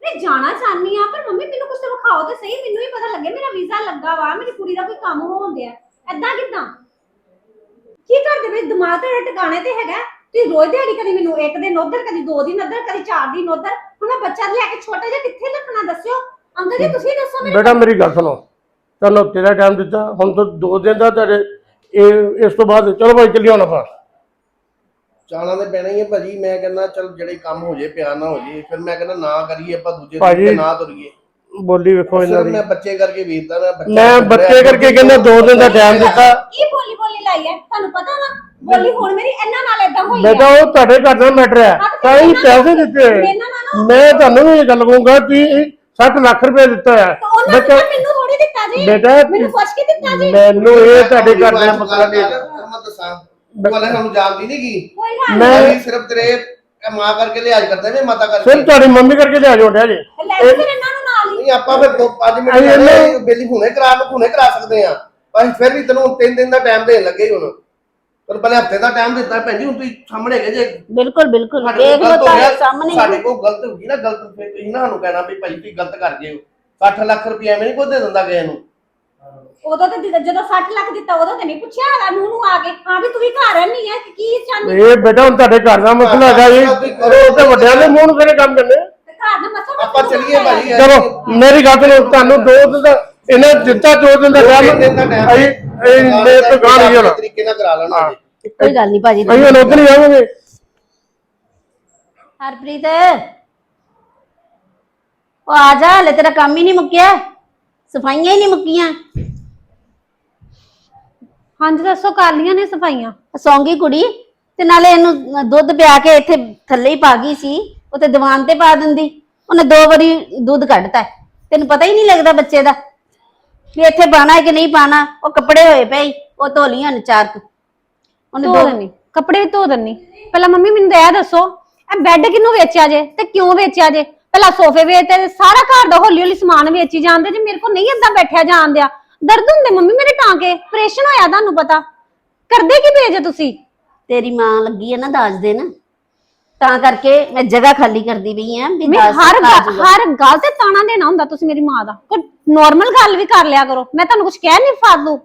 ਮੈਂ ਜਾਣਾ ਚਾਹਨੀ ਆ, ਪਰ ਮੰਮੀ ਮੈਨੂੰ ਕੁਝ ਤਾਂ ਵਿਖਾਓ ਤੇ ਸਹੀ, ਮੈਨੂੰ ਵੀ ਪਤਾ ਲੱਗੇ ਮੇਰਾ ਵੀਜ਼ਾ ਲੱਗਾ ਵਾ, ਮੇਰੀ ਕੁੜੀ ਦਾ ਕੋਈ ਕੰਮ ਹੋਣ ਦਿਆ। ਐਦਾਂ ਕਿਦਾਂ? ਕੀ ਕਰਦੇ ਵੇ? ਦਿਮਾਗ ਤੇ ਟਿਕਾਣੇ ਤੇ ਹੈਗਾ? ਤੁਸੀਂ ਰੋਜ਼ ਦਿਹਾੜੀ ਕਦੀ ਮੈਨੂੰ ਇੱਕ ਦਿਨ ਉਧਰ, ਕਦੀ ਦੋ ਦਿਨ ਉਧਰ, ਕਦੀ ਚਾਰ ਦਿਨ ਉਧਰ। ਹੁਣ ਮੈਂ ਬੱਚਾ ਲੈ ਕੇ ਛੋਟਾ ਜਿਹਾ ਕਿੱਥੇ ਰੱਖਣਾ ਦੱਸਿਓ। ਅੰਕਲ ਜੀ ਤੁਸੀਂ ਦੱਸੋ ਮੈਨੂੰ।
ਬੇਟਾ ਮੇਰੀ ਗੱਲ ਸੁਣੋ, ਤੁਹਾਨੂੰ ਹਫ਼ਤੇ ਦਾ ਟਾਈਮ ਦਿੱਤਾ, ਹੁਣ ਤੋਂ ਦੋ ਦਿਨ ਦਾ ਤੁਹਾਡੇ ਇਹ ਇਸ ਤੋਂ ਬਾਅਦ ਚਲੋ ਭਾਈ ਚੱਲੀਏ ਹੁਣ ਆਪਾਂ।
ਚਾਲਾਂ ਤੇ ਪੈਣਾ ਹੀ ਹੈ ਭਾਜੀ। ਮੈਂ ਕਹਿੰਦਾ ਚਲ ਜਿਹੜੇ ਕੰਮ ਹੋ ਜੇ ਪਿਆਰ ਨਾ ਹੋ ਜੇ, ਫਿਰ ਮੈਂ ਕਹਿੰਦਾ ਨਾ ਕਰੀਏ ਆਪਾਂ ਦੂਜੇ
ਭਾਜੀ,
ਦਿਨ ਤੇ ਨਾ ਤੁਰੀਏ।
ਬੋਲੀ ਵੇਖੋ ਇਹਨਾਂ
ਸਿਰਫ
ਦੀ।
ਮੈਂ ਬੱਚੇ ਕਰਕੇ ਵੇਚਦਾ ਨਾ, ਬੱਚਾ
ਮੈਂ ਬੱਚੇ ਕਰਕੇ ਕਹਿੰਦਾ ਦੋ ਦਿਨ ਦਾ ਟਾਈਮ ਦਿੱਤਾ।
ਕੀ ਬੋਲੀ ਬੋਲੀ ਲਾਈ ਹੈ ਤੁਹਾਨੂੰ ਪਤਾ ਵਾ? ਬੋਲੀ ਹੁਣ ਮੇਰੀ ਇਹਨਾਂ ਨਾਲ ਏਦਾਂ ਹੋਈ ਹੈ।
ਬੇਟਾ ਉਹ ਤੁਹਾਡੇ ਘਰ ਦਾ ਮੈਟਰ ਹੈ, ਤਾਂ ਹੀ ਪੈਸੇ ਦਿੱਤੇ। ਮੈਂ ਤੁਹਾਨੂੰ ਵੀ ਇਹ ਗੱਲ ਕਹੂੰਗਾ ਕਿ ਸੱਠ ਲੱਖ ਰੁਪਏ ਦਿੱਤਾ ਹੈ
ਬੱਚਾ। ਮੈਨੂੰ ਥੋੜੀ ਦਿੱਤਾ ਜੀ,
ਬੇਟਾ
ਮੈਨੂੰ ਪੁੱਛ ਕੇ ਦਿੱਤਾ ਜੀ।
ਮੈਨੂੰ ਇਹ ਤੁਹਾਡੇ ਘਰ ਦਾ ਮਸਲਾ ਨਹੀਂ ਹੈ।
ਮੈਂ ਦੱਸਾਂ ਵਾਲੇ ਸਾਨੂੰ ਜਾਣਦੀ ਨਹੀਂ ਕੀ
ਕੋਈ ਗੱਲ
ਮੈਂ
ਮੈਂ ਸਿਰਫ ਤੇਰੇ ਮਾਂ ਕਰਕੇ ਲਿਹਾਜ਼ ਕਰਦਾ ਜੇ ਮਾਤਾ ਕਰਕੇ।
ਸਿਰ ਤੁਹਾਡੀ ਮੰਮੀ ਕਰਕੇ ਲਿਆ ਜੋੜਿਆ ਜੀ।
ਲੈ ਫਿਰ ਇਹਨਾਂ ਨੂੰ ਨਾਲ ਹੀ।
ਨਹੀਂ ਆਪਾਂ ਫਿਰ ਦੋ ਪੰਜ ਮਿੰਟ
ਅਸੀਂ ਇਹਨੂੰ-
ਬੇਲੀ ਹੁਣੇ ਕਰਾ ਨੂੰ ਹੁਣੇ ਕਰਾ ਸਕਦੇ ਆ, ਪਰ ਫਿਰ ਵੀ ਤੈਨੂੰ ਤਿੰਨ ਦਿਨ ਦਾ ਟਾਈਮ ਦੇਣ ਲੱਗੇ ਹੁਣ। ਪਰ ਪਹਿਲੇ ਹਫਤੇ ਦਾ ਟਾਈਮ ਦਿੱਤਾ ਭੈਣ ਜੀ, ਹੁਣ ਤੁਸੀਂ ਸਾਹਮਣੇ ਹੈਗੇ ਜੇ।
ਬਿਲਕੁਲ ਬਿਲਕੁਲ
ਸਾਡੇ
ਦੇਖ
ਕੋਲ
ਲਓ
ਗਲਤ ਹੋ ਗਿਆ,
ਤੁਹਾਡੇ ਸਾਹਮਣੇ
ਸਾਡੇ ਕੋਲ ਗਲਤ ਹੋ ਗਈ ਨਾ, ਗਲਤ ਫਿਰ ਤੁਸੀਂ ਨਾ ਸਾਨੂੰ ਕਹਿਣਾ ਵੀ ਭਾਈ ਤੁਸੀਂ ਗਲਤ ਕਰ ਗਏ ਹੋ। ਸੱਠ ਲੱਖ ਰੁਪਏ ਐਵੇਂ ਨਹੀਂ ਕੋਈ ਦੇ ਦਿੰਦਾ ਕਿਸੇ ਨੂੰ।
ਉਦੋਂ ਤੇ ਦਿੱਤਾ- ਜਦੋਂ ਸੱਠ ਲੱਖ ਦਿੱਤਾ ਉਦੋਂ ਤੇ ਨਹੀਂ ਪੁੱਛਿਆ ਹੈਗਾ ਨੂੰ ਨੂੰ ਆ ਕੇ, ਹਾਂ ਵੀ ਤੂੰ ਵੀ ਘਰ ਨਹੀਂ ਹੈ ਕਿ ਕੀ ਚਾਹੁੰਦੀ
ਇਹ ਬੇਟਾ ਹੁਣ ਤੁਹਾਡੇ ਘਰ ਦਾ ਮਸਲਾ ਹੈਗਾ ਜੀ, ਉਹ ਤੇ ਵੱਡਿਆਂ ਦੇ ਮੂੰਹ ਨੂੰ ਕਿਹੜੇ ਕੰਮ ਕਰਨੇ।
ਤੇ ਘਰ ਦਾ ਮਸਲਾ
ਆਪਾਂ ਚੱਲੀਏ ਭਾਜੀ।
ਚਲੋ ਮੇਰੀ ਗੱਲ ਸੁਣੋ, ਤੁਹਾਨੂੰ ਦੋ ਦਿਨ ਦਾ ਇਹਨੇ ਦਿੱਤਾ, ਦੋ ਦਿਨ ਦਾ
ਤਿੰਨ
ਟਾਈਮ
ਦਿਨ ਦਾ ਟਾਈਮ
ਅਸੀਂ ਇਹ ਮੇਰੇ ਤੋਂ ਗਾਂ ਨਹੀਂ ਹੋਣਾ।
ਤਰੀਕੇ ਨਾਲ ਕਰਾ ਲੈਣਾ ਜੀ।
ਕੋਈ ਗੱਲ ਨਹੀਂ ਭਾਜੀ।
ਅਸੀਂ ਹੁਣ ਉੱਧਰ ਹੀ ਜਾਵਾਂਗੇ।
ਹਰਪ੍ਰੀਤ ਉਹ ਆ ਜਾ, ਹਲੇ ਤੇਰਾ ਕੰਮ ਹੀ ਨਹੀਂ ਮੁੱਕਿਆ, ਸਫਾਈਆਂ ਹੀ ਨਹੀਂ ਮੁੱਕੀਆਂ।
ਹਾਂਜੀ ਦੱਸੋ, ਕਰ ਲੀਆਂ ਨੇ ਸਫਾਈਆਂ?
ਸੌਂਗੀ ਕੁੜੀ ਤੇ ਨਾਲੇ ਇਹਨੂੰ ਦੁੱਧ ਪਿਆ ਕੇ ਇੱਥੇ ਥੱਲੇ ਹੀ ਪਾ ਗਈ ਸੀ, ਉਹ ਤੇ ਦੀਵਾਨ ਤੇ ਪਾ ਦਿੰਦੀ। ਉਹਨੇ ਦੋ ਵਾਰੀ ਦੁੱਧ ਕੱਢਤਾ, ਤੈਨੂੰ ਪਤਾ ਹੀ ਨਹੀਂ ਲੱਗਦਾ ਬੱਚੇ ਦਾ ਵੀ ਇੱਥੇ ਪਾਣਾ ਹੈ ਕਿ ਨਹੀਂ ਪਾਣਾ। ਉਹ ਕੱਪੜੇ ਹੋਏ ਪਏ, ਉਹ ਧੋ ਲੀਆਂ ਨੇ ਚਾਰ ਕੁ। ਉਹਨੇ
ਧੋ
ਦੋ
ਦੇਣੀ, ਕੱਪੜੇ ਵੀ ਧੋ ਦੇਣੀ। ਪਹਿਲਾਂ ਮੰਮੀ ਮੈਨੂੰ ਤਾਂ ਇਹ ਦੱਸੋ, ਇਹ ਬੈੱਡ ਕਿਹਨੂੰ ਵੇਚਿਆ ਜੇ ਤੇ ਕਿਉਂ ਵੇਚਿਆ ਜੇ? ਪਹਿਲਾਂ ਸੋਫੇ ਵੇਚਦੇ, ਸਾਰਾ ਘਰ ਦਾ ਹੌਲੀ ਹੌਲੀ ਸਮਾਨ ਵੇਚੀ ਜਾਂਦੇ ਜੇ। ਮੇਰੇ ਕੋਲ ਨਹੀਂ ਏਦਾਂ ਬੈਠਿਆ ਜਾਂਦਿਆ, ਦਰਦ ਹੁੰਦੇ ਮੰਮੀ ਮੇਰੇ ਟਾਂਕੇ, ਆਪਰੇਸ਼ਨ ਹੋਇਆ, ਤੁਹਾਨੂੰ ਪਤਾ। ਕਰਦੇ ਕੀ ਪਏ ਜੇ ਤੁਸੀਂ?
ਤੇਰੀ ਮਾਂ ਲੱਗੀ ਹੈ ਨਾ ਦਾਜ ਦੇਣ, ਤਾਂ ਕਰਕੇ ਮੈਂ ਜਗ੍ਹਾ ਖਾਲੀ ਕਰਦੀ ਪਈ ਆ ਵੀ
ਮੈਂ
ਦਾਜ
ਹਰ
ਆ
ਗੱਲ-
ਜਾਊਗਾ।
ਹਰ ਗੱਲ ਤੇ ਤਾਣਾ ਦੇਣਾ ਹੁੰਦਾ ਤੁਸੀਂ ਮੇਰੀ ਮਾਂ ਦਾ? ਕੋਈ ਨਾਰਮਲ ਗੱਲ ਵੀ ਕਰ ਲਿਆ ਕਰੋ। ਮੈਂ ਤੁਹਾਨੂੰ ਕੁਝ ਕਹਿ ਨਹੀਂ ਫਾਲਤੂ।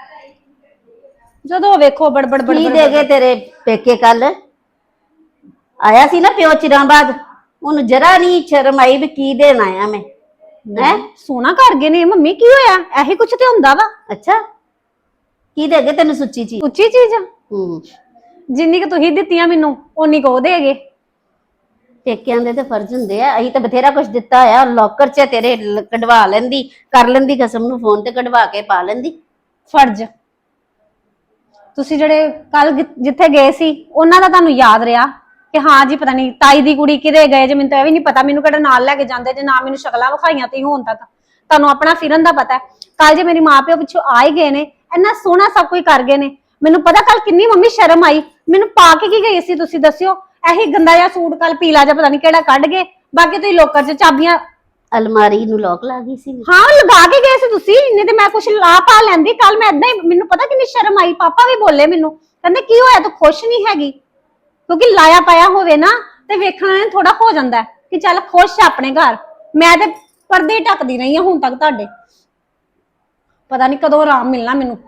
ਜਦੋਂ ਵੇਖੋ ਬੜਬੜ ਬੜਬੜ
ਕੀ ਦੇ ਗਏ ਤੇਰੇ ਪੇਕੇ? ਕੱਲ ਆਇਆ ਸੀ ਨਾ ਪਿਓ ਚਿਰਾਂ ਬਾਅਦ, ਉਹਨੂੰ ਜਰਾ ਨਹੀਂ ਸ਼ਰਮ ਆਈ ਵੀ ਕੀ ਦੇਣ ਆਇਆ ਮੈਂ। ਹੈ
ਸੋਨਾ ਕਰ ਗਏ ਨੇ ਮੰਮੀ, ਕੀ ਹੋਇਆ? ਇਹੀ ਕੁਝ ਤੇ ਹੁੰਦਾ ਵਾ।
ਅੱਛਾ, ਕੀ ਦੇ ਗਏ ਤੈਨੂੰ ਸੁੱਚੀ ਚੀਜ਼?
ਉੱਚੀ ਚੀਜ਼ ਆ,
ਹੂੰ,
ਜਿੰਨੀ ਕਿ ਤੁਸੀਂ ਦਿੱਤੀਆਂ ਮੈਨੂੰ ਓਨੀ ਕੋ ਦੇਗੇ।
ਪੇਕਿਆਂ ਦੇ ਤੇ ਫਰਜ਼ ਹੁੰਦੇ ਆ। ਅਸੀਂ ਤਾਂ ਬਥੇਰਾ ਕੁਝ ਦਿੱਤਾ ਆ, ਲੋਕਰ 'ਚ ਤੇਰੇ ਲ- ਕਢਵਾ ਲੈਂਦੀ, ਕਰ ਲੈਂਦੀ ਕਸਮ ਨੂੰ ਫੋਨ ਤੇ ਕਢਵਾ ਕੇ ਪਾ ਲੈਂਦੀ।
ਫਰਜ਼ ਤੁਸੀਂ ਜਿਹੜੇ ਕੱਲ ਜਿੱਥੇ ਗਏ ਸੀ ਉਹਨਾਂ ਦਾ ਤੁਹਾਨੂੰ ਯਾਦ ਰਿਹਾ ਕਿ ਹਾਂ ਜੀ ਪਤਾ ਨਹੀਂ ਤਾਈ ਦੀ ਕੁੜੀ ਕਿਤੇ ਗਏ ਜੇ? ਮੈਨੂੰ ਤਾਂ ਇਹ ਵੀ ਨਹੀਂ ਪਤਾ, ਮੈਨੂੰ ਕਿਹੜਾ ਨਾਲ ਲੈ ਕੇ ਜਾਂਦੇ ਜੇ, ਨਾ ਮੈਨੂੰ ਸ਼ਕਲਾਂ ਵਿਖਾਈਆਂ ਤੀ ਹੁਣ ਤੱਕ। ਤੁਹਾਨੂੰ ਆਪਣਾ ਫਿਰਨ ਦਾ ਪਤਾ। ਕੱਲ ਜੇ ਮੇਰੀ ਮਾਂ ਪਿਓ ਪਿੱਛੋਂ ਆ ਹੀ ਗਏ ਨੇ, ਇੰਨਾ ਸੋਹਣਾ ਸਭ ਕੁਝ ਕਰ ਗਏ ਨੇ, ਮੈਨੂੰ ਪਤਾ ਕੱਲ ਕਿੰਨੀ ਮੰਮੀ ਸ਼ਰਮ ਆਈ। ਮੈਨੂੰ ਪਾ ਕੇ ਕੀ ਗਈ ਸੀ ਤੁਸੀਂ ਦੱਸਿਓ? ਇਹੀ ਗੰਦਾ ਜਿਹਾ ਸੂਟ ਕੱਲ ਪੀਲਾ ਜਿਹਾ ਪਤਾ ਨਹੀਂ ਕਿਹੜਾ ਕੱਢ ਗਏ। ਬਾਕੀ ਤੁਸੀਂ ਲੋਕਰ 'ਚ ਚਾਬੀਆਂ,
ਅਲਮਾਰੀ ਨੂੰ ਲੋਕ ਲਾ ਗਈ ਸੀ।
ਹਾਂ ਲਗਾ ਕੇ ਗਏ ਸੀ ਤੁਸੀਂ, ਇੰਨੇ ਤੇ ਮੈਂ ਕੁਛ ਲਾ ਪਾ ਲੈਂਦੀ। ਕੱਲ ਮੈਂ ਏਦਾਂ ਹੀ, ਮੈਨੂੰ ਪਤਾ ਕਿੰਨੀ ਸ਼ਰਮ ਆਈ। ਪਾਪਾ ਵੀ ਬੋਲੇ ਮੈਨੂੰ, ਕਹਿੰਦੇ ਕੀ ਹੋਇਆ ਤੂੰ ਖੁਸ਼ ਨਹੀਂ ਹੈਗੀ? ਕਿਉਂਕਿ ਲਾਇਆ ਪਾਇਆ ਹੋਵੇ ਨਾ ਤੇ ਵੇਖਣਾ ਨੇ ਥੋੜਾ ਹੋ ਜਾਂਦਾ ਕਿ ਚੱਲ ਖੁਸ਼ ਆ ਆਪਣੇ ਘਰ। ਮੈਂ ਤੇ ਪਰਦੇ ਢੱਕਦੀ ਰਹੀ ਹਾਂ ਹੁਣ ਤੱਕ ਤੁਹਾਡੇ, ਪਤਾ ਨਹੀਂ ਕਦੋਂ ਆਰਾਮ ਮਿਲਣਾ ਮੈਨੂੰ।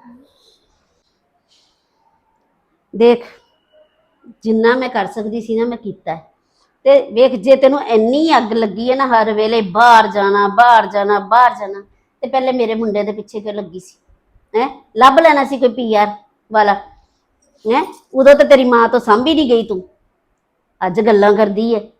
ਦੇਖ, ਜਿੰਨਾ ਮੈਂ ਕਰ ਸਕਦੀ ਸੀ ਨਾ ਮੈਂ ਕੀਤਾ ਹੈ। ਤੇ ਵੇਖ, ਜੇ ਤੈਨੂੰ ਇੰਨੀ ਅੱਗ ਲੱਗੀ ਹੈ ਨਾ ਹਰ ਵੇਲੇ ਬਾਹਰ ਜਾਣਾ ਬਾਹਰ ਜਾਣਾ ਬਾਹਰ ਜਾਣਾ, ਤੇ ਪਹਿਲੇ ਮੇਰੇ ਮੁੰਡੇ ਦੇ ਪਿੱਛੇ ਕਿਉਂ ਲੱਗੀ ਸੀ? ਹੈ ਲੱਭ ਲੈਣਾ ਸੀ ਕੋਈ ਪੀਆਰ ਵਾਲਾ। ਹੈ ਉਦੋਂ ਤਾਂ ਤੇਰੀ ਮਾਂ ਤੋਂ ਸਾਂਭੀ ਨਹੀਂ ਗਈ ਤੂੰ, ਅੱਜ ਗੱਲਾਂ ਕਰਦੀ ਹੈ।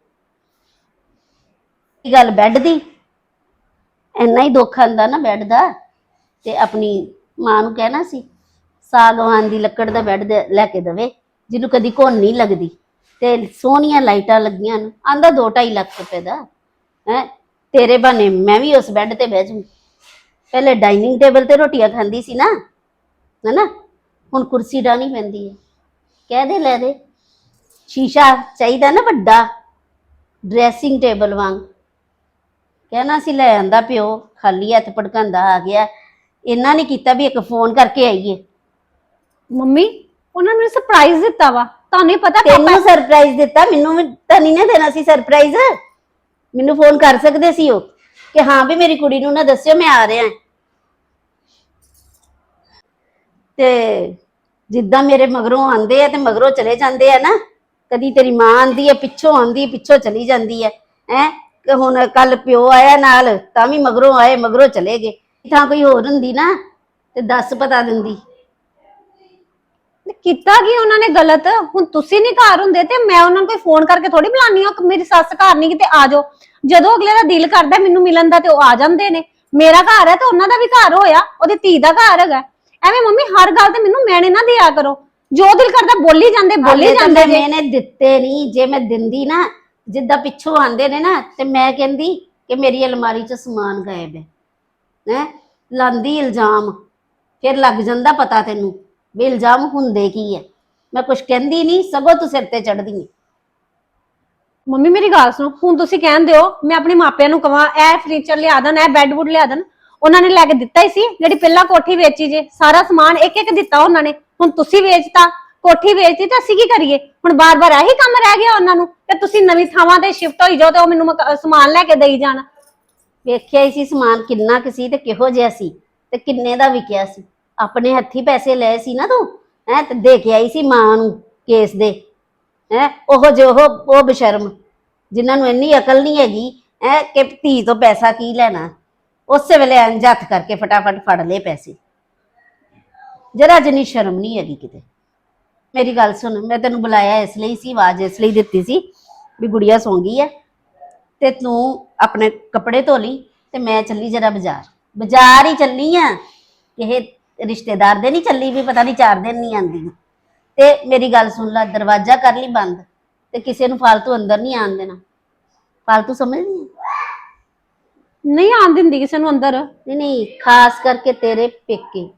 ਇਹ ਗੱਲ ਬੈੱਡ ਦੀ, ਇੰਨਾ ਹੀ ਦੁੱਖ ਆਂਦਾ ਨਾ ਬੈੱਡ ਦਾ, ਤੇ ਆਪਣੀ ਮਾਂ ਨੂੰ ਕਹਿਣਾ ਸੀ ਸਾਗਵਾਨ ਦੀ ਲੱਕੜ ਦਾ ਬੈੱਡ ਲੈ ਕੇ ਦੇਵੇ, ਜਿਹਨੂੰ ਕਦੀ ਘੁਣ ਨਹੀਂ ਲੱਗਦੀ, ਤੇ ਸੋਹਣੀਆਂ ਲਾਈਟਾਂ ਲੱਗੀਆਂ ਨੇ। ਆਂਦਾ ਦੋ ਢਾਈ ਲੱਖ ਰੁਪਏ ਦਾ। ਹੈ ਤੇਰੇ ਬਹਾਨੇ ਮੈਂ ਵੀ ਉਸ ਬੈੱਡ ਤੇ ਬਹਿ ਜੂ। ਪਹਿਲੇ ਡਾਈਨਿੰਗ ਟੇਬਲ ਤੇ ਰੋਟੀਆਂ ਖਾਂਦੀ ਸੀ ਨਾ, ਹੈਨਾ, ਹੁਣ ਕੁਰਸੀ ਡਾਣੀ ਪੈਂਦੀ ਹੈ। ਕਹਿ ਦੇ ਲੈ ਦੇ। ਸ਼ੀਸ਼ਾ ਚਾਹੀਦਾ ਨਾ ਵੱਡਾ, ਡਰੈਸਿੰਗ ਟੇਬਲ ਵਾਂਗ। ਕਹਿਣਾ ਸੀ ਲੈ ਆਂਦਾ ਪਿਓ, ਖਾਲੀ ਹੱਥ ਭੜਕਾਂਦਾ ਆ ਗਿਆ। ਇਹਨਾਂ ਨੇ ਕੀਤਾ ਵੀ ਇੱਕ ਫੋਨ ਕਰਕੇ ਆਈਏ।
ਮੰਮੀ ਉਹਨਾਂ ਨੇ ਮੈਨੂੰ ਸਰਪ੍ਰਾਈਜ਼ ਦਿੱਤਾ ਵਾ, ਤੁਹਾਨੂੰ ਹੀ ਪਤਾ।
ਤੈਨੂੰ ਸਰਪ੍ਰਾਈਜ਼ ਦਿੱਤਾ, ਮੈਨੂੰ ਵੀ ਤਾਂ ਨਹੀਂ ਨਾ ਦੇਣਾ ਸੀ ਸਰਪ੍ਰਾਈਜ਼। ਮੈਨੂੰ ਫੋਨ ਕਰ ਸਕਦੇ ਸੀ ਉਹ ਕਿ ਹਾਂ ਵੀ ਮੇਰੀ ਕੁੜੀ ਨੂੰ ਨਾ ਦੱਸਿਓ ਮੈਂ ਆ ਰਿਹਾ। ਤੇ ਜਿੱਦਾਂ ਮੇਰੇ ਮਗਰੋਂ ਆਂਦੇ ਆ ਤੇ ਮਗਰੋਂ ਚਲੇ ਜਾਂਦੇ ਆ ਨਾ, ਕਦੀ ਤੇਰੀ ਮਾਂ ਆਂਦੀ ਹੈ ਪਿੱਛੋਂ ਆਂਦੀ ਪਿੱਛੋਂ ਚਲੀ ਜਾਂਦੀ ਹੈ ਹੈ ਕਿ ਹੁਣ ਕੱਲ ਪਿਓ ਆਇਆ ਨਾਲ ਤਾਂ ਵੀ ਮਗਰੋਂ ਆਏ ਮਗਰੋਂ ਚਲੇ ਗਏ। ਤਾਂ ਕੋਈ ਹੋਰ ਹੁੰਦੀ ਨਾ ਤੇ ਦੱਸ ਪਤਾ ਦਿੰਦੀ।
ਕੀਤਾ ਕੀ ਉਹਨਾਂ ਨੇ ਗਲਤ? ਹੁਣ ਤੁਸੀਂ ਨਹੀਂ ਘਰ ਹੁੰਦੇ ਤੇ ਮੈਂ ਉਹਨਾਂ ਨੂੰ ਕੋਈ ਫੋਨ ਕਰਕੇ ਥੋੜੀ ਬੁਲਾਨੀ ਆ ਕਿ ਮੇਰੀ ਸੱਸ ਘਰ ਨਹੀਂ ਕਿਤੇ ਆ ਜਾਓ। ਜਦੋਂ ਅਗਲੇ ਦਾ ਦਿਲ ਕਰਦਾ ਮੈਨੂੰ ਮਿਲਣ ਦਾ ਤੇ ਉਹ ਆ ਜਾਂਦੇ ਨੇ। ਮੇਰਾ ਘਰ ਹੈ ਤੇ ਉਹਨਾਂ ਦਾ ਵੀ ਘਰ ਹੋਇਆ, ਉਹਦੀ ਧੀ ਦਾ ਘਰ ਹੈਗਾ। ਐਵੇਂ ਮੰਮੀ ਹਰ ਗੱਲ ਤੇ ਮੈਨੂੰ ਮੈਨੇ ਨਾ ਦਿਆ ਕਰੋ, ਜੋ ਦਿਲ ਕਰਦਾ ਬੋਲੀ ਜਾਂਦੇ ਬੋਲੀ ਜਾਂਦੇ ਜੇ।
ਮੈਨੇ ਦਿੱਤੇ ਨਹੀਂ, ਜੇ ਮੈਂ ਦਿੰਦੀ ਨਾ ਜਿੱਦਾਂ ਪਿੱਛੋਂ ਆਂਦੇ ਨੇ ਨਾ ਤੇ ਮੈਂ ਕਹਿੰਦੀ ਕਿ ਮੇਰੀ ਅਲਮਾਰੀ 'ਚ ਸਮਾਨ ਗਾਇਬ ਹੈ ਹੈ ਲਾਂਦੀ ਇਲਜ਼ਾਮ। ਫਿਰ ਲੱਗ ਜਾਂਦਾ ਪਤਾ ਤੈਨੂੰ ਵੀ ਇਲਜ਼ਾਮ ਹੁੰਦੇ ਕੀ ਹੈ। ਮੈਂ ਕੁਝ ਕਹਿੰਦੀ ਨਹੀਂ, ਸਗੋਂ ਤੂੰ ਸਿਰ ਤੇ ਚੜਦੀ ਹੈ।
ਮੰਮੀ ਮੇਰੀ ਗੱਲ ਸੁਣੋ, ਹੁਣ ਤੁਸੀਂ ਕਹਿੰਦੇ ਹੋ ਮੈਂ ਆਪਣੇ ਮਾਪਿਆਂ ਨੂੰ ਕਵਾਂ ਇਹ ਫਰਨੀਚਰ ਲਿਆ ਦੇਣ, ਇਹ ਬੈੱਡ ਵੁੱਡ ਲਿਆ ਦੇਣ। ਉਹਨਾਂ ਨੇ ਲੈ ਕੇ ਦਿੱਤਾ ਹੀ ਸੀ, ਜਿਹੜੀ ਪਹਿਲਾਂ ਕੋਠੀ ਵੇਚੀ ਜੇ ਸਾਰਾ ਸਮਾਨ ਇੱਕ ਇੱਕ ਦਿੱਤਾ ਉਹਨਾਂ ਨੇ। ਹੁਣ ਤੁਸੀਂ ਵੇਚਤਾ, ਕੋਠੀ ਵੇਚਤੀ ਤਾਂ ਅਸੀਂ ਕੀ ਕਰੀਏ? ਹੁਣ ਬਾਰ-ਬਾਰ ਇਹੀ ਕੰਮ ਰਹਿ ਗਿਆ ਉਹਨਾਂ ਨੂੰ ਕਿ ਤੁਸੀਂ ਨਵੀਂ ਥਾਵਾਂ ਤੇ ਸ਼ਿਫਟ ਹੋਈ ਜਾਓ ਤੇ ਉਹ ਮੈਨੂੰ ਮਕਾ- ਸਮਾਨ ਲੈ ਕੇ ਦੇਈ ਜਾਣ।
ਵੇਖਿਆ ਹੀ ਸੀ ਸਮਾਨ ਕਿੰਨਾ ਕੁ ਸੀ ਤੇ ਕਿਹੋ ਜਿਹਾ ਸੀ ਤੇ ਕਿੰਨੇ ਦਾ ਵਿਕਿਆ ਸੀ। ਆਪਣੇ ਹੱਥੀ ਪੈਸੇ ਲਏ ਸੀ ਨਾ ਤੂੰ, ਹੈ ਤੇ ਦੇ ਕੇ ਆਈ ਸੀ ਮਾਂ ਨੂੰ ਕੇਸ ਦੇ। ਹੈ ਉਹ ਜੋ ਉਹ ਉਹ ਬਸ਼ਰਮ ਜਿਨ੍ਹਾਂ ਨੂੰ ਇੰਨੀ ਅਕਲ ਨਹੀਂ ਹੈਗੀ ਹੈ ਕਿ ਧੀ ਤੋਂ ਪੈਸਾ ਕੀ ਲੈਣਾ, ਉਸੇ ਵੇਲੇ ਇੰਝ ਹੱਥ ਕਰਕੇ ਫਟਾਫਟ ਫੜ ਲਏ ਪੈਸੇ। ਜਰਾ ਜਿੰਨੀ ਸ਼ਰਮ ਨਹੀਂ ਹੈਗੀ ਕਿਤੇ। ਮੇਰੀ ਗੱਲ ਸੁਣ, ਮੈਂ ਤੈਨੂੰ ਬੁਲਾਇਆ ਇਸ ਲਈ ਸੀ, ਆਵਾਜ਼ ਇਸ ਲਈ ਦਿੱਤੀ ਸੀ ਵੀ ਗੁੜੀਆ ਸੌਂ ਗਈ ਹੈ ਤੇ ਤੂੰ ਆਪਣੇ ਕੱਪੜੇ ਧੋ ਲਈ ਤੇ ਮੈਂ ਚੱਲੀ ਜਰਾ ਬਾਜ਼ਾਰ। ਬਾਜ਼ਾਰ ਹੀ ਚੱਲੀ ਆ, ਕਿਸੇ ਰਿਸ਼ਤੇਦਾਰ ਦੇ ਨਹੀਂ ਚੱਲੀ ਵੀ ਪਤਾ ਨਹੀਂ ਚਾਰ ਦਿਨ ਨਹੀਂ ਆਂਦੀ। ਤੇ ਮੇਰੀ ਗੱਲ ਸੁਣ ਲੈ, ਦਰਵਾਜ਼ਾ ਕਰ ਲਈ ਬੰਦ ਤੇ ਕਿਸੇ ਨੂੰ ਫਾਲਤੂ ਅੰਦਰ ਨਹੀਂ ਆਣ ਦੇਣਾ। ਫਾਲਤੂ ਸਮਝਦੀ
ਨਹੀਂ ਆਣ ਦਿੰਦੀ ਕਿਸੇ ਨੂੰ ਅੰਦਰ।
ਨਹੀਂ ਨਹੀਂ, ਖਾਸ ਕਰਕੇ ਤੇਰੇ ਪੇਕੇ।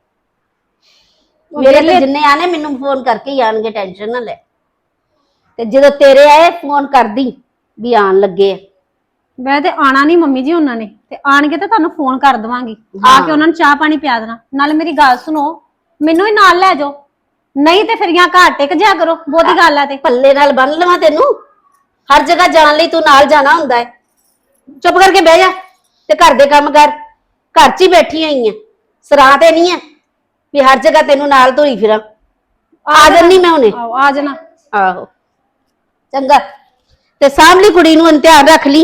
ਮੇਰੇ ਤੇ ਜਿੰਨੇ ਆਣੇ ਮੈਨੂੰ ਫੋਨ ਕਰਕੇ ਹੀ ਆਣਗੇ, ਟੈਨਸ਼ਨ ਨਾ ਲੈ। ਤੇ ਜਦੋਂ ਤੇਰੇ ਆਏ ਫੋਨ ਕਰਦੀ ਵੀ ਆਣ ਲੱਗੇ ਆ।
ਮੈਂ ਤੇ ਆਣਾ ਨਹੀਂ ਮੰਮੀ ਜੀ, ਉਹਨਾਂ ਨੇ ਤੇ ਆਣਗੇ ਤੇ ਤੁਹਾਨੂੰ ਫੋਨ ਕਰ ਦਵਾਂਗੀ, ਆ ਕੇ ਉਹਨਾਂ ਨੂੰ ਚਾਹ ਪਾਣੀ ਪਿਆ ਦੇਣਾ। ਨਾਲੇ ਮੇਰੀ ਗੱਲ ਸੁਣੋ, ਮੈਨੂੰ ਹੀ ਨਾਲ ਲੈ ਜਾਓ, ਨਹੀਂ ਤੇ ਫਿਰ ਜਾਂ ਘਰ ਟਿਕ ਜਾ ਕਰੋ। ਬਹੁਤੀ ਗੱਲ ਹੈ ਤੇ
ਪੱਲੇ ਨਾਲ ਬੰਨ ਲਵਾਂ ਤੈਨੂੰ? ਹਰ ਜਗ੍ਹਾ ਜਾਣ ਲਈ ਤੂੰ ਨਾਲ ਜਾਣਾ ਹੁੰਦਾ ਹੈ। ਚੁੱਪ ਕਰਕੇ ਬਹਿ ਜਾ ਤੇ ਘਰ ਦੇ ਕੰਮ ਕਰ। ਘਰ 'ਚ ਹੀ ਬੈਠੀ ਹੋਈ ਆ, ਸਰਾਂ ਤੇ ਨਹੀਂ ਆ ਵੀ ਹਰ ਜਗ੍ਹਾ ਤੈਨੂੰ ਨਾਲ ਧੋਈ ਫਿਰਾਂ। ਆ ਜਾਨੀ ਮੈਂ ਹੁਣੇ।
ਆਹੋ ਆ ਜਾਣਾ।
ਆਹੋ ਚੰਗਾ, ਤੇ ਸਾਹਮਣੀ ਕੁੜੀ ਨੂੰ ਧਿਆਨ ਰੱਖ ਲਈ।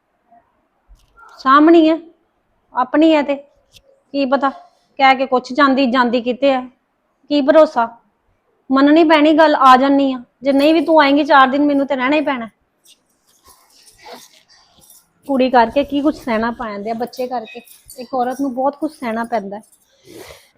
ਸਾਹਮਣੀ ਹੈ ਆਪਣੀ ਹੈ ਤੇ ਕੀ ਪਤਾ ਕਹਿ ਕੇ ਕੁਛ ਜਾਂਦੀ ਜਾਂਦੀ ਕਿਤੇ ਹੈ, ਕੀ ਭਰੋਸਾ। ਮੰਨਣੀ ਪੈਣੀ ਗੱਲ, ਆ ਜਾਨੀ ਆ। ਜੇ ਨਹੀਂ ਵੀ ਤੂੰ ਆਏਂਗੀ ਚਾਰ ਦਿਨ ਮੈਨੂੰ ਤੇ ਰਹਿਣਾ ਹੀ ਪੈਣਾ। ਕੁੜੀ ਕਰਕੇ ਕੀ ਕੁਛ ਸਹਿਣਾ ਪਾ ਜਾਂਦੇ ਆ, ਬੱਚੇ ਕਰਕੇ ਇੱਕ ਔਰਤ ਨੂੰ ਬਹੁਤ ਕੁਛ ਸਹਿਣਾ ਪੈਂਦਾ ਹੈ।